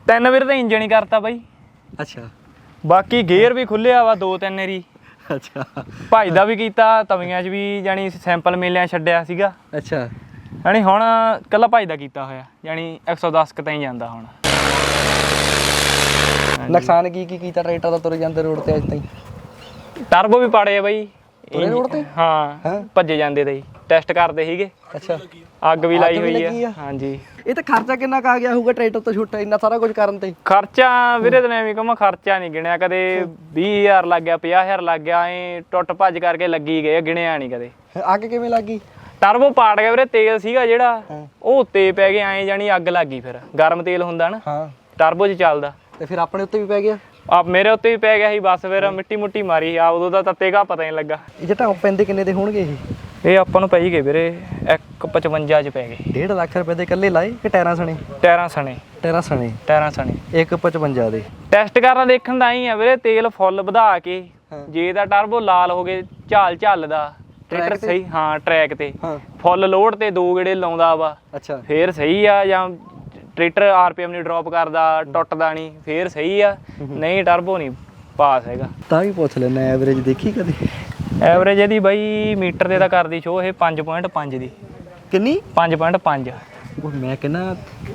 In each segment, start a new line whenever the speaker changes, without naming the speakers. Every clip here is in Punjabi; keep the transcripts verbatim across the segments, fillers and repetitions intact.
ਤਿੰਨ ਵੀਰ ਤਾਂ ਇੰਜਣ ਹੀ ਕਰਤਾ ਬਾਈ।
ਅੱਛਾ
ਬਾਕੀ ਗੇਅਰ ਵੀ ਖੁੱਲਿਆ ਵਾ ਦੋ ਤਿੰਨ ਵਾਰੀ।
ਅੱਛਾ
ਭਜਦਾ ਵੀ ਕੀਤਾ, ਤਵੀਆਂ 'ਚ ਵੀ ਜਾਣੀ ਸੈਂਪਲ ਮੇਲਿਆਂ ਛੱਡਿਆ ਸੀਗਾ।
ਅੱਛਾ
ਜਾਣੀ ਹੁਣ ਕੱਲਾ ਭਜਦਾ ਕੀਤਾ ਹੋਇਆ, ਜਾਣੀ ਇੱਕ ਸੌ ਦਸ ਕੁ ਤਾਈਂ ਜਾਂਦਾ ਹੁਣ।
ਨੁਕਸਾਨ ਕੀ ਕੀ ਕੀਤਾ ਟਰੈਕਟਰ ਦਾ ਤੁਰੇ ਜਾਂਦੇ ਰੋਡ ਤੇ ਅੱਜ ਤਾਈਂ?
ਟਰਬੋ ਵੀ ਪਾੜੇ ਆ ਬਾਈ
ਤੁਰੇ ਰੋਡ ਤੇ।
ਹਾਂ ਭੱਜੇ ਜਾਂਦੇ ਤੇ ਟੈਸਟ ਕਰਦੇ ਸੀਗੇ।
ਅੱਛਾ
ਅੱਗ ਵੀ ਲਾਈ ਹੋਈ
ਲੱਗੀ
ਆ।
ਆ?
ਹਾਂਜੀ।
ਇਹ ਤਾਂ ਖਰਚਾ ਕਿੰਨਾ ਕੁ ਆ ਗਿਆ ਹੋਊਗਾ ਟਰੈਕਟਰ ਤੋਂ ਛੁੱਟਾ ਇੰਨਾ ਸਾਰਾ ਕੁਝ ਕਰਨ ਤੇ?
ਖਰਚਾ ਵੀਰੇ ਤੈਨੂੰ ਐਵੇਂ ਕਹਾਂ, ਖਰਚਾ ਨਹੀਂ ਗਿਣਿਆ ਕਦੇ। ਵੀਹ ਹਜ਼ਾਰ ਲੱਗ ਗਿਆ, ਪੰਜਾਹ ਹਜ਼ਾਰ ਲੱਗ ਗਿਆ, ਐ ਟੁੱਟ ਭੱਜ ਕਰਕੇ ਲੱਗੀ ਗਏ, ਗਿਣਿਆ ਨਹੀਂ ਕਦੇ।
ਅੱਗ ਕਿਵੇਂ ਲੱਗ ਗਈ?
ਟਰਬੋ ਪਾੜ ਗਿਆ ਵੀਰੇ, ਤੇਲ ਸੀਗਾ ਜਿਹੜਾ ਉਹ ਉੱਤੇ ਪੈ ਗਿਆ, ਐ ਜਾਣੀ ਅੱਗ ਲੱਗ ਗਈ। ਫਿਰ ਗਰਮ ਤੇਲ ਹੁੰਦਾ ਨਾ
ਹਾਂ
ਟਰਬੋ 'ਚ ਚੱਲਦਾ,
ਤੇ ਫਿਰ ਆਪਣੇ ਉੱਤੇ ਵੀ ਪੈ ਗਿਆ?
ਆ ਮੇਰੇ ਉੱਤੇ ਵੀ ਪੈ ਗਿਆ ਸੀ। ਬਸ ਫਿਰ ਮਿੱਟੀ ਮੁੱਟੀ ਮਾਰੀ ਆ, ਉਦੋਂ ਦਾ ਤੱਤੇਗਾ ਪਤਾ ਨਹੀਂ ਲੱਗਾ।
ਇਹ ਜਿਹੜਾ ਪੈਂਦੇ ਕਿੰਨੇ ਦੇ ਹੋਣਗੇ ਇਹ?
ਇਹ ਆਪਾਂ ਨੂੰ ਪੈ ਹੀ ਗਏ ਵੀਰੇ ਇੱਕ ਪਚਵੰਜਾ 'ਚ ਪੈ ਗਏ।
ਡੇਢ ਲੱਖ ਰੁਪਏ ਦੇ ਇਕੱਲੇ ਲਾਏ ਕਿ ਟਾਇਰਾਂ ਸਣੇ?
ਟਾਇਰਾਂ ਸਣੇ।
ਟਾਇਰਾਂ ਸਣੇ
ਟਾਇਰਾਂ ਸਣੇ
ਇੱਕ ਪਚਵੰਜਾ ਦੇ।
ਟੈਸਟ ਕਰਨਾ ਦੇਖਣ ਦਾ ਹੀ ਆ ਵੀਰੇ, ਤੇਲ ਫੁੱਲ ਵਧਾ ਕੇ ਜੇ ਤਾਂ ਟਰਬੋ ਲਾਲ ਹੋ ਗਏ, ਝਾਲ ਝੱਲਦਾ ਟਰੈਕਟਰ ਸਹੀ। ਹਾਂ ਟਰੈਕ ਤੇ ਫੁੱਲ ਲੋਡ ਤੇ ਦੋ ਗੇੜੇ ਲਾਉਂਦਾ ਵਾ,
ਅੱਛਾ
ਫੇਰ ਸਹੀ ਆ। ਜਾਂ ਟਰੈਕਟਰ ਆਰਪੀਐਮ ਨਹੀਂ ਡ੍ਰੌਪ ਕਰਦਾ, ਟੁੱਟਦਾ ਨਹੀਂ, ਫੇਰ ਸਹੀ ਆ। ਨਹੀਂ ਟਰਬੋ ਨਹੀਂ ਪਾਸ ਹੈਗਾ।
ਤਾਂ ਵੀ ਪੁੱਛ ਲੈਣਾ ਐਵਰੇਜ ਦੇਖੀ ਕਦੇ?
ਐਵਰੇਜ ਇਹਦੀ ਬਾਈ ਮੀਟਰ ਦੇ ਤਾਂ ਕਰਦੀ ਸ਼ੋ ਇਹ ਪੰਜ ਪੁਆਇੰਟ ਪੰਜ ਦੀ।
ਕਿੰਨੀ?
ਪੰਜ ਪੁਆਇੰਟ ਪੰਜ।
ਉਹ ਮੈਂ ਕਹਿੰਦਾ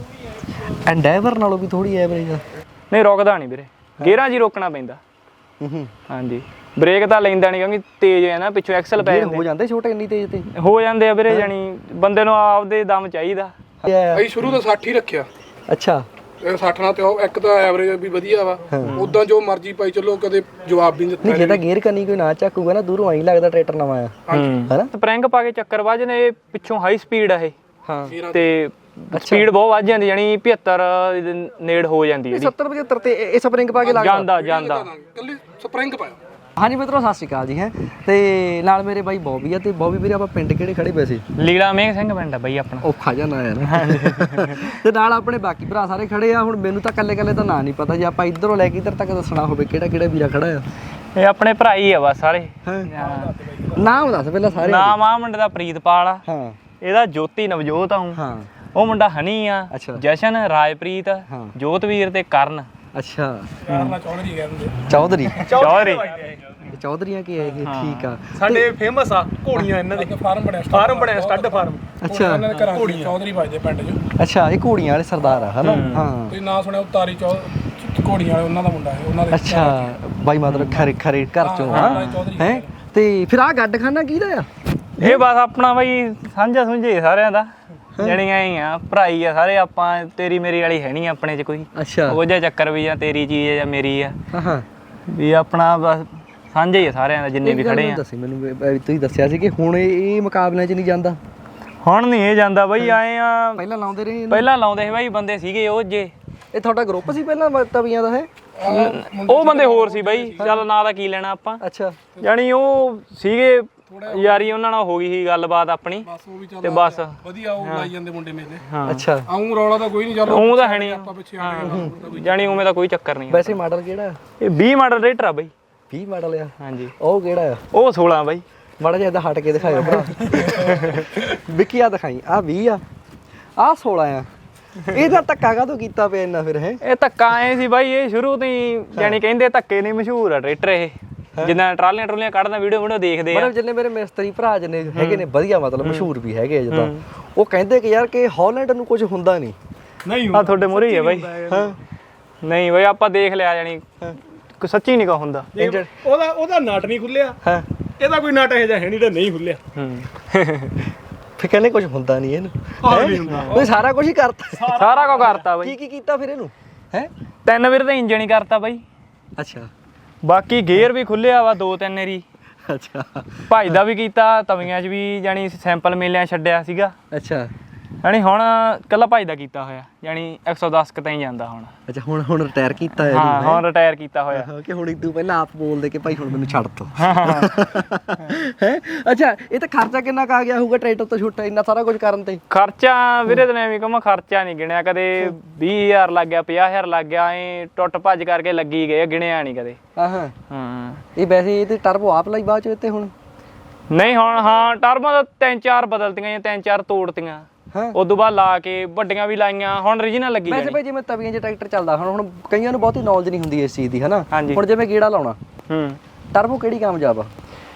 ਐਂਡੈਵਰ ਨਾਲੋਂ ਵੀ ਥੋੜੀ ਐਵਰੇਜ ਆ।
ਨਹੀਂ ਰੁਕਦਾ ਨਹੀਂ ਵੀਰੇ, ਗੇਅਰਾਂ 'ਚ ਹੀ ਰੋਕਣਾ ਪੈਂਦਾ।
ਹੂੰ
ਹਾਂਜੀ ਬ੍ਰੇਕ ਤਾਂ ਲੈਂਦਾ ਨਹੀਂ ਕਿਉਂਕਿ ਤੇਜ਼ ਹੈ ਨਾ, ਪਿੱਛੋਂ ਐਕਸਲ ਪੈ
ਹੋ ਜਾਂਦੇ ਛੋਟੇ ਇੰਨੀ ਤੇਜ਼ ਤੇ
ਹੋ ਜਾਂਦੇ ਆ ਵੀਰੇ। ਜਾਣੀ ਬੰਦੇ ਨੂੰ ਆਪਦੇ ਦਮ ਚਾਹੀਦਾ।
ਅਸੀਂ ਸ਼ੁਰੂ ਤੋਂ ਸੱਠ ਹੀ ਰੱਖਿਆ।
ਅੱਛਾ
ਇਹ ਸੱਠ ਨਾਲ ਤੇ ਉਹ ਇੱਕ ਤਾਂ ਐਵਰੇਜ ਵੀ ਵਧੀਆ ਵਾ, ਉਦਾਂ ਜੋ ਮਰਜ਼ੀ ਪਾਈ ਚੱਲੋ, ਕਦੇ ਜਵਾਬ ਵੀ ਨਹੀਂ ਦਿੱਤਾ।
ਨਹੀਂ ਜੇ ਤਾਂ ਗੇਅਰ ਕਰਨੀ ਕੋਈ ਨਾ ਚੱਕੂਗਾ ਨਾ ਦੂਰੋਂ ਆਈ ਲੱਗਦਾ ਟਰੈਕਟਰ ਨਵਾਂ ਆ, ਹੈਨਾ?
ਸਪਰਿੰਗ ਪਾ ਕੇ ਚੱਕਰ ਵੱਜ ਨੇ, ਇਹ ਪਿੱਛੋਂ ਹਾਈ ਸਪੀਡ ਆ ਇਹ।
ਹਾਂ
ਤੇ ਸਪੀਡ ਬਹੁਤ ਵੱਜ ਜਾਂਦੀ, ਜਾਣੀ ਪਝੱਤਰ ਦੇ ਨੇੜ ਹੋ ਜਾਂਦੀ ਹੈ।
ਸੱਤਰ ਪਝੱਤਰ ਤੇ ਇਹ ਸਪਰਿੰਗ ਪਾ ਕੇ ਲੱਗਦਾ
ਜਾਂਦਾ ਜਾਂਦਾ
ਕੱਲੀ ਸਪਰਿੰਗ ਪਾਇਆ।
ਹਾਂਜੀ ਮਿੱਤਰੋ ਸਤਿ ਸ਼੍ਰੀ ਅਕਾਲ ਜੀ। ਹੈ ਤੇ ਨਾਲ ਮੇਰੇ ਬਾਈ ਬੌਬੀ ਆ। ਤੇ ਬੌਬੀ ਵੀਰੇ ਆਪਾਂ ਪਿੰਡ ਕਿਹੜੇ ਖੜੇ ਪਏ ਸੀ?
ਲੀਲਾ ਮੇਘ ਸਿੰਘ ਪਿੰਡ ਆ ਬਾਈ ਆਪਣਾ।
ਔਖਾ ਜਿਹਾ ਨਾਂ ਯਾਰ। ਤੇ ਨਾਲ ਆਪਣੇ ਬਾਕੀ ਭਰਾ ਸਾਰੇ ਖੜੇ ਆ। ਹੁਣ ਮੈਨੂੰ ਤਾਂ ਕੱਲੇ ਕੱਲੇ ਤਾਂ ਨਾਂ ਨਹੀਂ ਪਤਾ, ਜੇ ਆਪਾਂ ਇੱਧਰੋਂ ਲੈ ਕੇ ਇੱਧਰ ਤੱਕ ਦੱਸਣਾ ਹੋਵੇ ਕਿਹੜਾ ਕਿਹੜਾ ਵੀਰਾ ਖੜਾ ਆ।
ਇਹ ਆਪਣੇ ਭਰਾ ਹੀ ਆ ਬਸ ਸਾਰੇ।
ਨਾਮ ਦੱਸ ਪਹਿਲਾਂ ਸਾਰੇ।
ਨਾਮ ਆ ਮੁੰਡੇ ਦਾ ਪ੍ਰੀਤਪਾਲ ਆ।
ਹਾਂ
ਇਹਦਾ ਜੋਤੀ ਨਵਜੋਤ ਆ।
ਹਾਂ
ਉਹ ਮੁੰਡਾ ਹਨੀ ਆ।
ਅੱਛਾ।
ਜਸ਼ਨ, ਰਾਜਪ੍ਰੀਤ, ਜੋਤਵੀਰ ਤੇ ਕਰਨ।
ਅੱਛਾ
ਕਰਨਾ ਚੌਧਰੀ ਕਹਿੰਦੇ।
ਚੌਧਰੀ
ਚੌਧਰੀ
ਚੌਧਰੀਆਂ ਕੀ ਹੈ ਇਹ? ਠੀਕ ਆ।
ਸਾਡੇ ਫੇਮਸ ਆ ਘੋੜੀਆਂ ਇਹਨਾਂ ਦੇ।
ਫਾਰਮ ਬਣਿਆ
ਫਾਰਮ ਬਣਿਆ ਸਟੱਡ ਫਾਰਮ।
ਅੱਛਾ
ਇਹਨਾਂ ਦੇ ਘਰਾਂ ਚ ਚੌਧਰੀ ਵੱਜਦੇ ਪਿੰਡ 'ਚ।
ਅੱਛਾ ਇਹ ਘੋੜੀਆਂ ਵਾਲੇ ਸਰਦਾਰ ਆ ਹਨਾ? ਹਾਂ
ਤੁਸੀਂ ਨਾਂ ਸੁਣਿਆ ਉਤਾਰੀ ਚੌ ਘੋੜੀਆਂ ਵਾਲੇ, ਉਹਨਾਂ ਦਾ ਮੁੰਡਾ ਹੈ ਉਹਨਾਂ ਦੇ।
ਅੱਛਾ ਬਾਈ ਮਤਲਬ ਖਰੇ ਖਰੇ ਘਰ ਚੋਂ ਆ ਹੈ। ਤੇ ਫਿਰ ਆਹ ਗੱਡਖਾਨਾ ਕਿਹਦਾ ਆ?
ਇਹ ਬਸ ਆਪਣਾ ਬਾਈ ਸਾਂਝਾ ਸੁੰਝੇ ਸਾਰਿਆਂ ਦਾ, ਜਿਹੜੀਆਂ ਹੀ ਆ ਭਰਾਈ ਆ ਸਾਰੇ ਆਪਾਂ। ਤੇਰੀ ਮੇਰੀ ਵਾਲੀ ਹੈ ਨਹੀਂ ਆਪਣੇ 'ਚ ਕੋਈ।
ਅੱਛਾ
ਉਹ ਜਿਹਾ ਚੱਕਰ ਵੀ ਜਾਂ ਤੇਰੀ ਚੀਜ਼ ਹੈ ਜਾਂ ਮੇਰੀ ਆ,
ਹਾਂ
ਵੀ ਆਪਣਾ ਬਸ ਸਾਂਝਾ ਹੀ ਆ ਸਾਰਿਆਂ ਦਾ ਜਿੰਨੇ ਵੀ ਖੜੇ ਆ।
ਦੱਸੀ ਮੈਨੂੰ ਵੀ ਤੁਸੀਂ ਦੱਸਿਆ ਸੀ ਕਿ ਹੁਣ ਇਹ ਮੁਕਾਬਲਿਆਂ 'ਚ ਨਹੀਂ ਜਾਂਦਾ।
ਹੁਣ ਨਹੀਂ ਇਹ ਜਾਂਦਾ ਬਾਈ। ਆਏ ਆ
ਪਹਿਲਾਂ ਲਾਉਂਦੇ ਰਹੇ ਇਹਨੂੰ?
ਪਹਿਲਾਂ ਲਾਉਂਦੇ ਸੀ ਬਾਈ, ਬੰਦੇ ਸੀਗੇ ਉਹ ਜੇ।
ਇਹ ਤੁਹਾਡਾ ਗਰੁੱਪ ਸੀ ਪਹਿਲਾਂ ਤਵੀਆਂ ਦਾ? ਹੈ
ਉਹ ਬੰਦੇ ਹੋਰ ਸੀ ਬਾਈ, ਚੱਲ ਨਾਂ ਦਾ ਕੀ ਲੈਣਾ ਆਪਾਂ।
ਅੱਛਾ
ਜਾਣੀ ਉਹ ਸੀਗੇ ਯਾਰੀ, ਉਹਨਾਂ ਨਾਲ ਹੋ ਗਈ ਸੀ ਗੱਲਬਾਤ ਆਪਣੀ
ਬਸ ਉਹ ਵੀ ਚੱਲ
ਤੇ ਬਸ
ਵਧੀਆ ਉਹ ਲਾਈ ਜਾਂਦੇ ਮੁੰਡੇ ਮੇਲੇ।
ਹਾਂ
ਅੱਛਾ
ਆਉਂ ਰੌਲਾ ਤਾਂ ਕੋਈ ਨਹੀਂ, ਚੱਲ
ਉਹ ਤਾਂ ਹੈ ਨਹੀਂ।
ਆਪਾਂ ਪਿੱਛੇ ਆ ਗਏ।
ਜਾਣੀ ਉਵੇਂ ਦਾ ਕੋਈ ਚੱਕਰ ਨਹੀਂ।
ਵੈਸੇ ਮਾਡਲ ਕਿਹੜਾ?
ਇਹ ਵੀਹ ਮਾਡਲ ਰੇਟਰ ਆ ਬਾਈ।
ਵੀਹ ਮਾਡਲ ਆ?
ਹਾਂਜੀ।
ਉਹ ਕਿਹੜਾ ਆ?
ਉਹ ਸੋਲਾਂ ਬਾਈ।
ਮਾੜਾ ਜਿਹਾ ਇੱਦਾਂ ਹਟ ਕੇ ਦਿਖਾਇਓ ਭਰਾ। ਵਿੱਕੀ ਆ ਦਿਖਾਈ। ਆ ਵੀਹ ਆ, ਆ ਸੋਲਾਂ ਆ। ਇਹਦਾ ਧੱਕਾ ਕਾਹਤੋਂ ਕੀਤਾ ਪਿਆ ਇੰਨਾ ਫਿਰ? ਹੈ
ਇਹ ਧੱਕਾ ਐ ਸੀ ਬਾਈ, ਇਹ ਸ਼ੁਰੂ ਤੋਂ ਹੀ ਜਾਣੀ ਕਹਿੰਦੇ ਧੱਕੇ ਨਹੀਂ ਮਸ਼ਹੂਰ ਆ ਟਰੈਕਟਰ ਇਹ। ਜਿੱਦਾਂ ਟਰਾਲੀਆਂ ਟਰੂਲੀਆਂ ਕੱਢਦਾ ਵੀਡੀਓ ਵੀਡੀਓ ਦੇਖਦੇ ਆ।
ਮਤਲਬ ਜਿੰਨੇ ਮੇਰੇ ਮਿਸਤਰੀ ਭਰਾ ਜਿੰਨੇ ਹੈਗੇ ਨੇ ਵਧੀਆ, ਮਤਲਬ ਮਸ਼ਹੂਰ ਵੀ ਹੈਗੇ ਆ ਜਿੱਦਾਂ, ਉਹ ਕਹਿੰਦੇ ਕਿ ਯਾਰ ਕਿ ਹਾਲੈਂਡ ਨੂੰ ਕੁਝ ਹੁੰਦਾ ਨਹੀਂ।
ਨਹੀਂ
ਆ ਤੁਹਾਡੇ ਮੂਹਰੇ ਹੀ ਆ ਬਾਈ।
ਹਾਂ
ਨਹੀਂ ਬਾਈ ਆਪਾਂ ਦੇਖ ਲਿਆ, ਜਾਣੀ ਕੋਈ ਸੱਚੀ ਨਹੀਂ ਕਾ ਹੁੰਦਾ।
ਉਹਦਾ ਉਹਦਾ ਨਟ ਨਹੀਂ ਖੁੱਲਿਆ।
ਹਾਂ
ਇਹਦਾ ਕੋਈ ਨਟ ਇਹੋ ਜਿਹਾ ਹੈ ਨਹੀਂ ਜਿਹੜਾ ਨਹੀਂ ਖੁੱਲਿਆ।
ਫਿਰ ਕਹਿੰਦੇ ਕੁਝ ਹੁੰਦਾ ਨਹੀਂ ਇਹਨੂੰ। ਉਹ ਸਾਰਾ ਕੁਝ ਹੀ ਕਰਤਾ।
ਸਾਰਾ ਕੁਝ ਕਰਤਾ ਬਾਈ।
ਕੀ ਕੀ ਕੀਤਾ ਫਿਰ ਇਹਨੂੰ? ਹੈ
ਤਿੰਨ ਵੀਰ ਤਾਂ ਇੰਜਣ ਹੀ ਕਰਤਾ ਬਾਈ।
ਅੱਛਾ
ਬਾਕੀ ਗੇਅਰ ਵੀ ਖੁੱਲਿਆ ਵਾ ਦੋ ਤਿੰਨ ਵਾਰੀ।
ਅੱਛਾ
ਭਜਦਾ ਵੀ ਕੀਤਾ, ਤਵੀਆਂ 'ਚ ਵੀ ਜਾਣੀ ਸੈਂਪਲ ਮੇਲਿਆਂ ਛੱਡਿਆ ਸੀਗਾ।
ਅੱਛਾ
ਜਾਣੀ ਹੁਣ ਕੱਲਾ ਭਜਦਾ ਕੀਤਾ ਹੋਇਆ, ਜਾਣੀ ਇੱਕ ਸੌ ਦਸ ਕੁ ਤਾਈਂ ਜਾਂਦਾ ਹੁਣ।
ਅੱਛਾ ਹੁਣ ਹੁਣ ਰਿਟਾਇਰ ਕੀਤਾ ਹੈ?
ਹਾਂ ਹੁਣ ਰਿਟਾਇਰ ਕੀਤਾ ਹੋਇਆ।
ਕਿ ਹੁਣ ਤੂੰ ਪਹਿਲਾਂ ਆਪ ਬੋਲਦੇ ਕਿ ਭਾਈ ਹੁਣ ਮੈਨੂੰ ਛੱਡ ਦੋ। ਹੈ ਅੱਛਾ ਇਹ ਤਾਂ ਖਰਚਾ ਕਿੰਨਾ ਕੁ ਆ ਗਿਆ ਹੋਊਗਾ ਟਰੈਕਟਰ ਤੋਂ ਛੁੱਟਾ ਇੰਨਾ ਸਾਰਾ ਕੁਝ ਕਰਨ ਤੇ?
ਖਰਚਾ ਵੀਰੇ ਤੈਨੂੰ ਐਵੇਂ ਕਹਾਂ, ਖਰਚਾ ਨਹੀਂ ਗਿਣਿਆ ਕਦੇ। ਵੀਹ ਹਜ਼ਾਰ ਲੱਗ ਗਿਆ, ਪੰਜਾਹ ਹਜ਼ਾਰ ਲੱਗ ਗਿਆ, ਐ ਟੁੱਟ ਭੱਜ ਕਰਕੇ ਲੱਗੀ ਗਏ, ਗਿਣਿਆ ਨਹੀਂ ਕਦੇ।
ਹਾਂ ਹਾਂ
ਹਾਂ
ਇਹ ਵੈਸੇ ਇਹ ਤੇ ਟਰਬੋ ਆਪ ਲਈ ਬਾਅਦ ਚ ਤੇ ਹੁਣ?
ਨਹੀਂ ਹੁਣ ਹਾਂ ਟਰਬਾਂ ਤਾਂ ਤਿੰਨ ਚਾਰ ਬਦਲਤੀਆਂ ਜਾਂ ਤਿੰਨ ਚਾਰ ਤੋੜਤੀਆਂ। ਉਸ ਤੋਂ ਬਾਅਦ ਲਾ ਕੇ ਵੱਡੀਆਂ ਵੀ ਲਾਈਆਂ, ਹੁਣ ਓਰੀਜਨਲ ਲੱਗੀ
ਵੈਸੇ
ਜਾਣੀ।
ਭਾਈ ਜਿਵੇਂ ਤਵੀਆਂ 'ਚ ਟਰੈਕਟਰ ਚੱਲਦਾ ਹੁਣ ਹੁਣ ਕਈਆਂ ਨੂੰ ਬਹੁਤੀ ਨੌਲੇਜ ਨਹੀਂ ਹੁੰਦੀ ਇਸ ਚੀਜ਼ ਦੀ ਹਨਾ।
ਹਾਂਜੀ।
ਹੁਣ ਜਿਵੇਂ ਗੇੜਾ ਲਾਉਣਾ
ਹੂੰ
ਟਰਬੋ ਕਿਹੜੀ ਕਾਮਯਾਬ ਆ?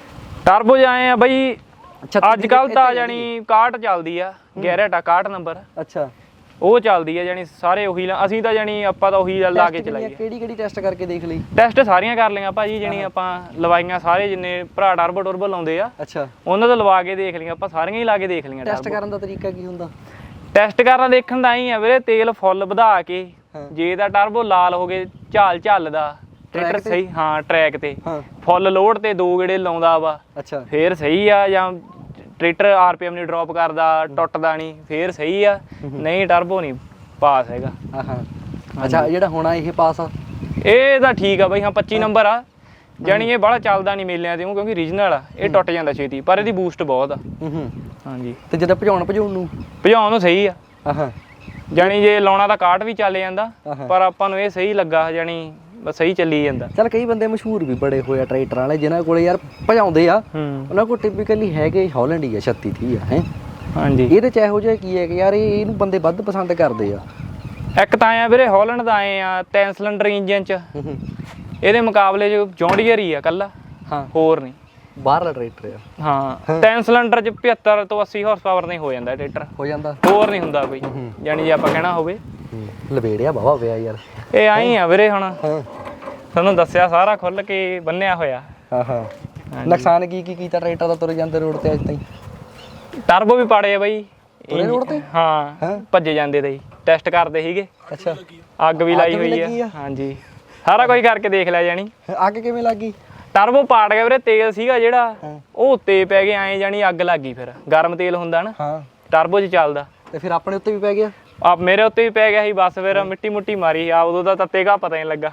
ਟਰਬੋ ਜਾਏ ਆ ਬਈ
ਛੱਤੀ
ਅੱਜ ਕੱਲ ਤਾਂ ਜਾਨੀ ਇਕਾਹਠ ਚੱਲਦੀ ਆ, ਗਿਆਰਾਂ ਟਾ ਇਕਾਹਠ ਨੰਬਰ
ਅੱਛਾ
ਉਹ ਚੱਲਦੀ ਆ ਜਾਨੀ ਸਾਰੇ ਉਹੀ ਲਾ- ਅਸੀਂ ਤਾਂ ਜਾਨੀ ਆਪਾਂ ਤਾਂ ਉਹੀ ਲਾ ਕੇ ਚਲਾਈਏ।
ਕਿਹੜੀ ਕਿਹੜੀ ਟੈਸਟ ਕਰਕੇ ਦੇਖ ਲਈ?
ਟੈਸਟ ਸਾਰੀਆਂ ਕਰ ਲਈਆਂ ਭਾਜੀ, ਜਾਨੀ ਆਪਾਂ ਲਵਾਈਆਂ ਸਾਰੇ ਜਿੰਨੇ ਭਰਾ ਟਰਬੋ ਟਰਬੋ ਲਾਉਂਦੇ ਆ
ਅੱਛਾ
ਉਹਨਾਂ ਤੋਂ ਲਵਾ ਕੇ ਦੇਖ ਲਈਆਂ ਆਪਾਂ, ਸਾਰੀਆਂ ਹੀ ਲਾ ਕੇ ਦੇਖ ਲਈਆਂ।
ਟੈਸਟ ਕਰਨ ਦਾ ਤਰੀਕਾ ਕੀ ਹੁੰਦਾ?
ਟੈਸਟ ਕਰਨਾ ਦੇਖਣ ਦਾ ਹੀ ਆ ਵੀਰੇ, ਤੇਲ ਫੁੱਲ ਵਧਾ ਕੇ ਜੇ ਤਾਂ ਟਰਬੋ ਲਾਲ ਹੋ ਗਏ ਝਾਲ ਝੱਲਦਾ ਟਰੈਕਟਰ ਸਹੀ, ਹਾਂ ਟਰੈਕ ਤੇ
ਹਾਂ
ਫੁੱਲ ਲੋਡ ਤੇ ਦੋ ਗੇੜੇ ਲਾਉਂਦਾ ਵਾ
ਅੱਛਾ
ਫੇਰ ਸਹੀ ਆ, ਜਾਂ ਟਰੈਕਟਰ ਆਰਪੀਐਮ ਨਹੀਂ ਡ੍ਰੌਪ ਕਰਦਾ ਟੁੱਟਦਾ ਨਹੀਂ ਫੇਰ ਸਹੀ ਆ, ਨਹੀਂ ਟਰਬੋ ਨਹੀਂ ਪਾਸ ਹੈਗਾ।
ਆਹਾਂ ਅੱਛਾ ਜਿਹੜਾ ਹੋਣਾ ਇਹ ਪਾਸ ਆ
ਇਹ ਤਾਂ ਠੀਕ ਆ ਬਈ, ਹਾਂ ਪੱਚੀ ਨੰਬਰ ਆ ਜਾਣੀ ਇਹ ਬੜਾ ਚੱਲਦਾ ਨਹੀਂ ਮੇਲਿਆਂ ਤੇ ਕਿਉਂਕਿ ਰੀਜਨਲ ਆ, ਇਹ ਟੁੱਟ ਜਾਂਦਾ ਛੇਤੀ ਪਰ ਇਹਦੀ ਬੂਸਟ ਬਹੁਤ ਆ।
ਹੂੰ ਹੂੰ
ਹਾਂਜੀ
ਤੇ ਜਦੋਂ ਭਜਾਉਣ ਭਜਾਉਣ ਨੂੰ
ਭਜਾਉਣ ਨੂੰ ਸਹੀ ਆ,
ਆਹਾਂ
ਜਾਣੀ ਜੇ ਲਾਉਣਾ ਤਾਂ ਕਾਟ ਵੀ ਚੱਲ ਜਾਂਦਾ
ਆਹਾਂ।
ਪਰ ਆਪਾਂ ਨੂੰ ਇਹ ਸਹੀ ਲੱਗਾ, ਜਾਣੀ ਬਸ ਸਹੀ ਚੱਲੀ ਜਾਂਦਾ।
ਚੱਲ ਕਈ ਬੰਦੇ ਮਸ਼ਹੂਰ ਵੀ ਬੜੇ ਹੋਏ ਆ ਟਰੈਕਟਰਾਂ ਵਾਲੇ ਜਿਨ੍ਹਾਂ ਕੋਲੇ ਯਾਰ ਭਜਾਉਂਦੇ ਆ,
ਹੂੰ
ਉਹਨਾਂ ਕੋਲ ਟਿਪੀਕਲੀ ਹੈਗੇ ਹਾਲੈਂਡ ਹੀ ਆ ਛੱਤੀ ਤੀਹ ਆ ਹੈ।
ਹਾਂਜੀ
ਇਹਦੇ ਚ ਇਹੋ ਜਿਹਾ ਕੀ ਹੈ ਕਿ ਯਾਰ ਇਹ ਇਹਨੂੰ ਬੰਦੇ ਵੱਧ ਪਸੰਦ ਕਰਦੇ ਆ।
ਇੱਕ ਤਾਂ ਆਇਆ ਵੀਰੇ ਹਾਲੈਂਡ ਦਾ ਆਏ ਆ ਤਿੰਨ ਸਿਲੰਡਰ ਇੰਜਨ ਚ,
ਹੂੰ ਹੂੰ
ਇਹਦੇ ਮੁਕਾਬਲੇ ਚ ਜੌਂਡੀਅਰ ਹੀ ਆ ਕੱਲਾ,
ਹਾਂ
ਹੋਰ ਨਹੀਂ।
ਬਾਹਰਲਾ ਟਰੈਕਟਰ ਆ
ਹਾਂ ਤਿੰਨ ਸਿਲੰਡਰ ਚ ਪਚੱਤਰ ਤੋਂ ਅੱਸੀ ਹਾਰਸ ਪਾਵਰ ਨਹੀਂ ਹੋ ਜਾਂਦਾ ਟਰੈਕਟਰ,
ਹੋ ਜਾਂਦਾ
ਹੋਰ ਨਹੀਂ ਹੁੰਦਾ ਕੋਈ, ਜਾਣੀ ਜੇ ਆਪਾਂ ਕਹਿਣਾ ਹੋਵੇ।
ਲਵੇੜਿਆ ਬਾਵਾ ਪਿਆ ਯਾਰ
ਇਹ ਆਈ ਆ ਵੀਰੇ, ਹੁਣ
ਹਾਂ
ਤੁਹਾਨੂੰ ਦੱਸਿਆ ਸਾਰਾ ਖੁੱਲ ਕੇ ਬੰਨਿਆ ਹੋਇਆ।
ਹਾਂ ਹਾਂ ਨੁਕਸਾਨ ਕੀ ਕੀ ਕੀਤਾ ਟਰੈਕਟਰ ਦਾ ਤੁਰ ਜਾਂਦੇ ਰੋਡ ਤੇ ਅੱਜ ਤਾਈਂ?
ਟਰਬੋ ਵੀ ਪਾੜੇ ਆ ਬਈ
ਤੁਰੇ road ਤੇ?
ਹਾਂ ਭੱਜੇ ਜਾਂਦੇ ਤੇ ਟੈਸਟ ਕਰਦੇ ਸੀਗੇ,
ਅੱਛਾ
ਅੱਗ ਵੀ ਲਾਈ
ਅੱਗ ਵੀ
ਹੋਈ
ਲੱਗੀ
ਆ।
ਆ?
ਹਾਂਜੀ ਸਾਰਾ ਕੁਝ ਕਰਕੇ ਦੇਖ ਲਿਆ ਜਾਣੀ।
ਅੱਗ ਕਿਵੇਂ ਲੱਗੀ?
ਟਰਬੋ ਪਾੜ ਗਿਆ ਵੀਰੇ, ਤੇਲ ਸੀਗਾ ਜਿਹੜਾ ਉਹ ਉੱਤੇ ਪੈ ਗਿਆ ਐ, ਜਾਣੀ ਅੱਗ ਲੱਗ ਗਈ। ਫਿਰ ਗਰਮ ਤੇਲ ਹੁੰਦਾ ਨਾ
ਹਾਂ
ਟਰਬੋ 'ਚ ਚੱਲਦਾ,
ਤੇ ਫਿਰ ਆਪਣੇ ਉੱਤੇ ਵੀ ਪੈ ਗਿਆ?
ਆ ਮੇਰੇ ਉੱਤੇ ਵੀ ਪੈ ਗਿਆ ਸੀ। ਬਸ ਫਿਰ ਮਿੱਟੀ ਮੁੱਟੀ ਮਾਰੀ ਆ, ਉਦੋਂ ਦਾ ਤੱਤੇ ਕਾ ਪਤਾ ਨਹੀਂ ਲੱਗਾ।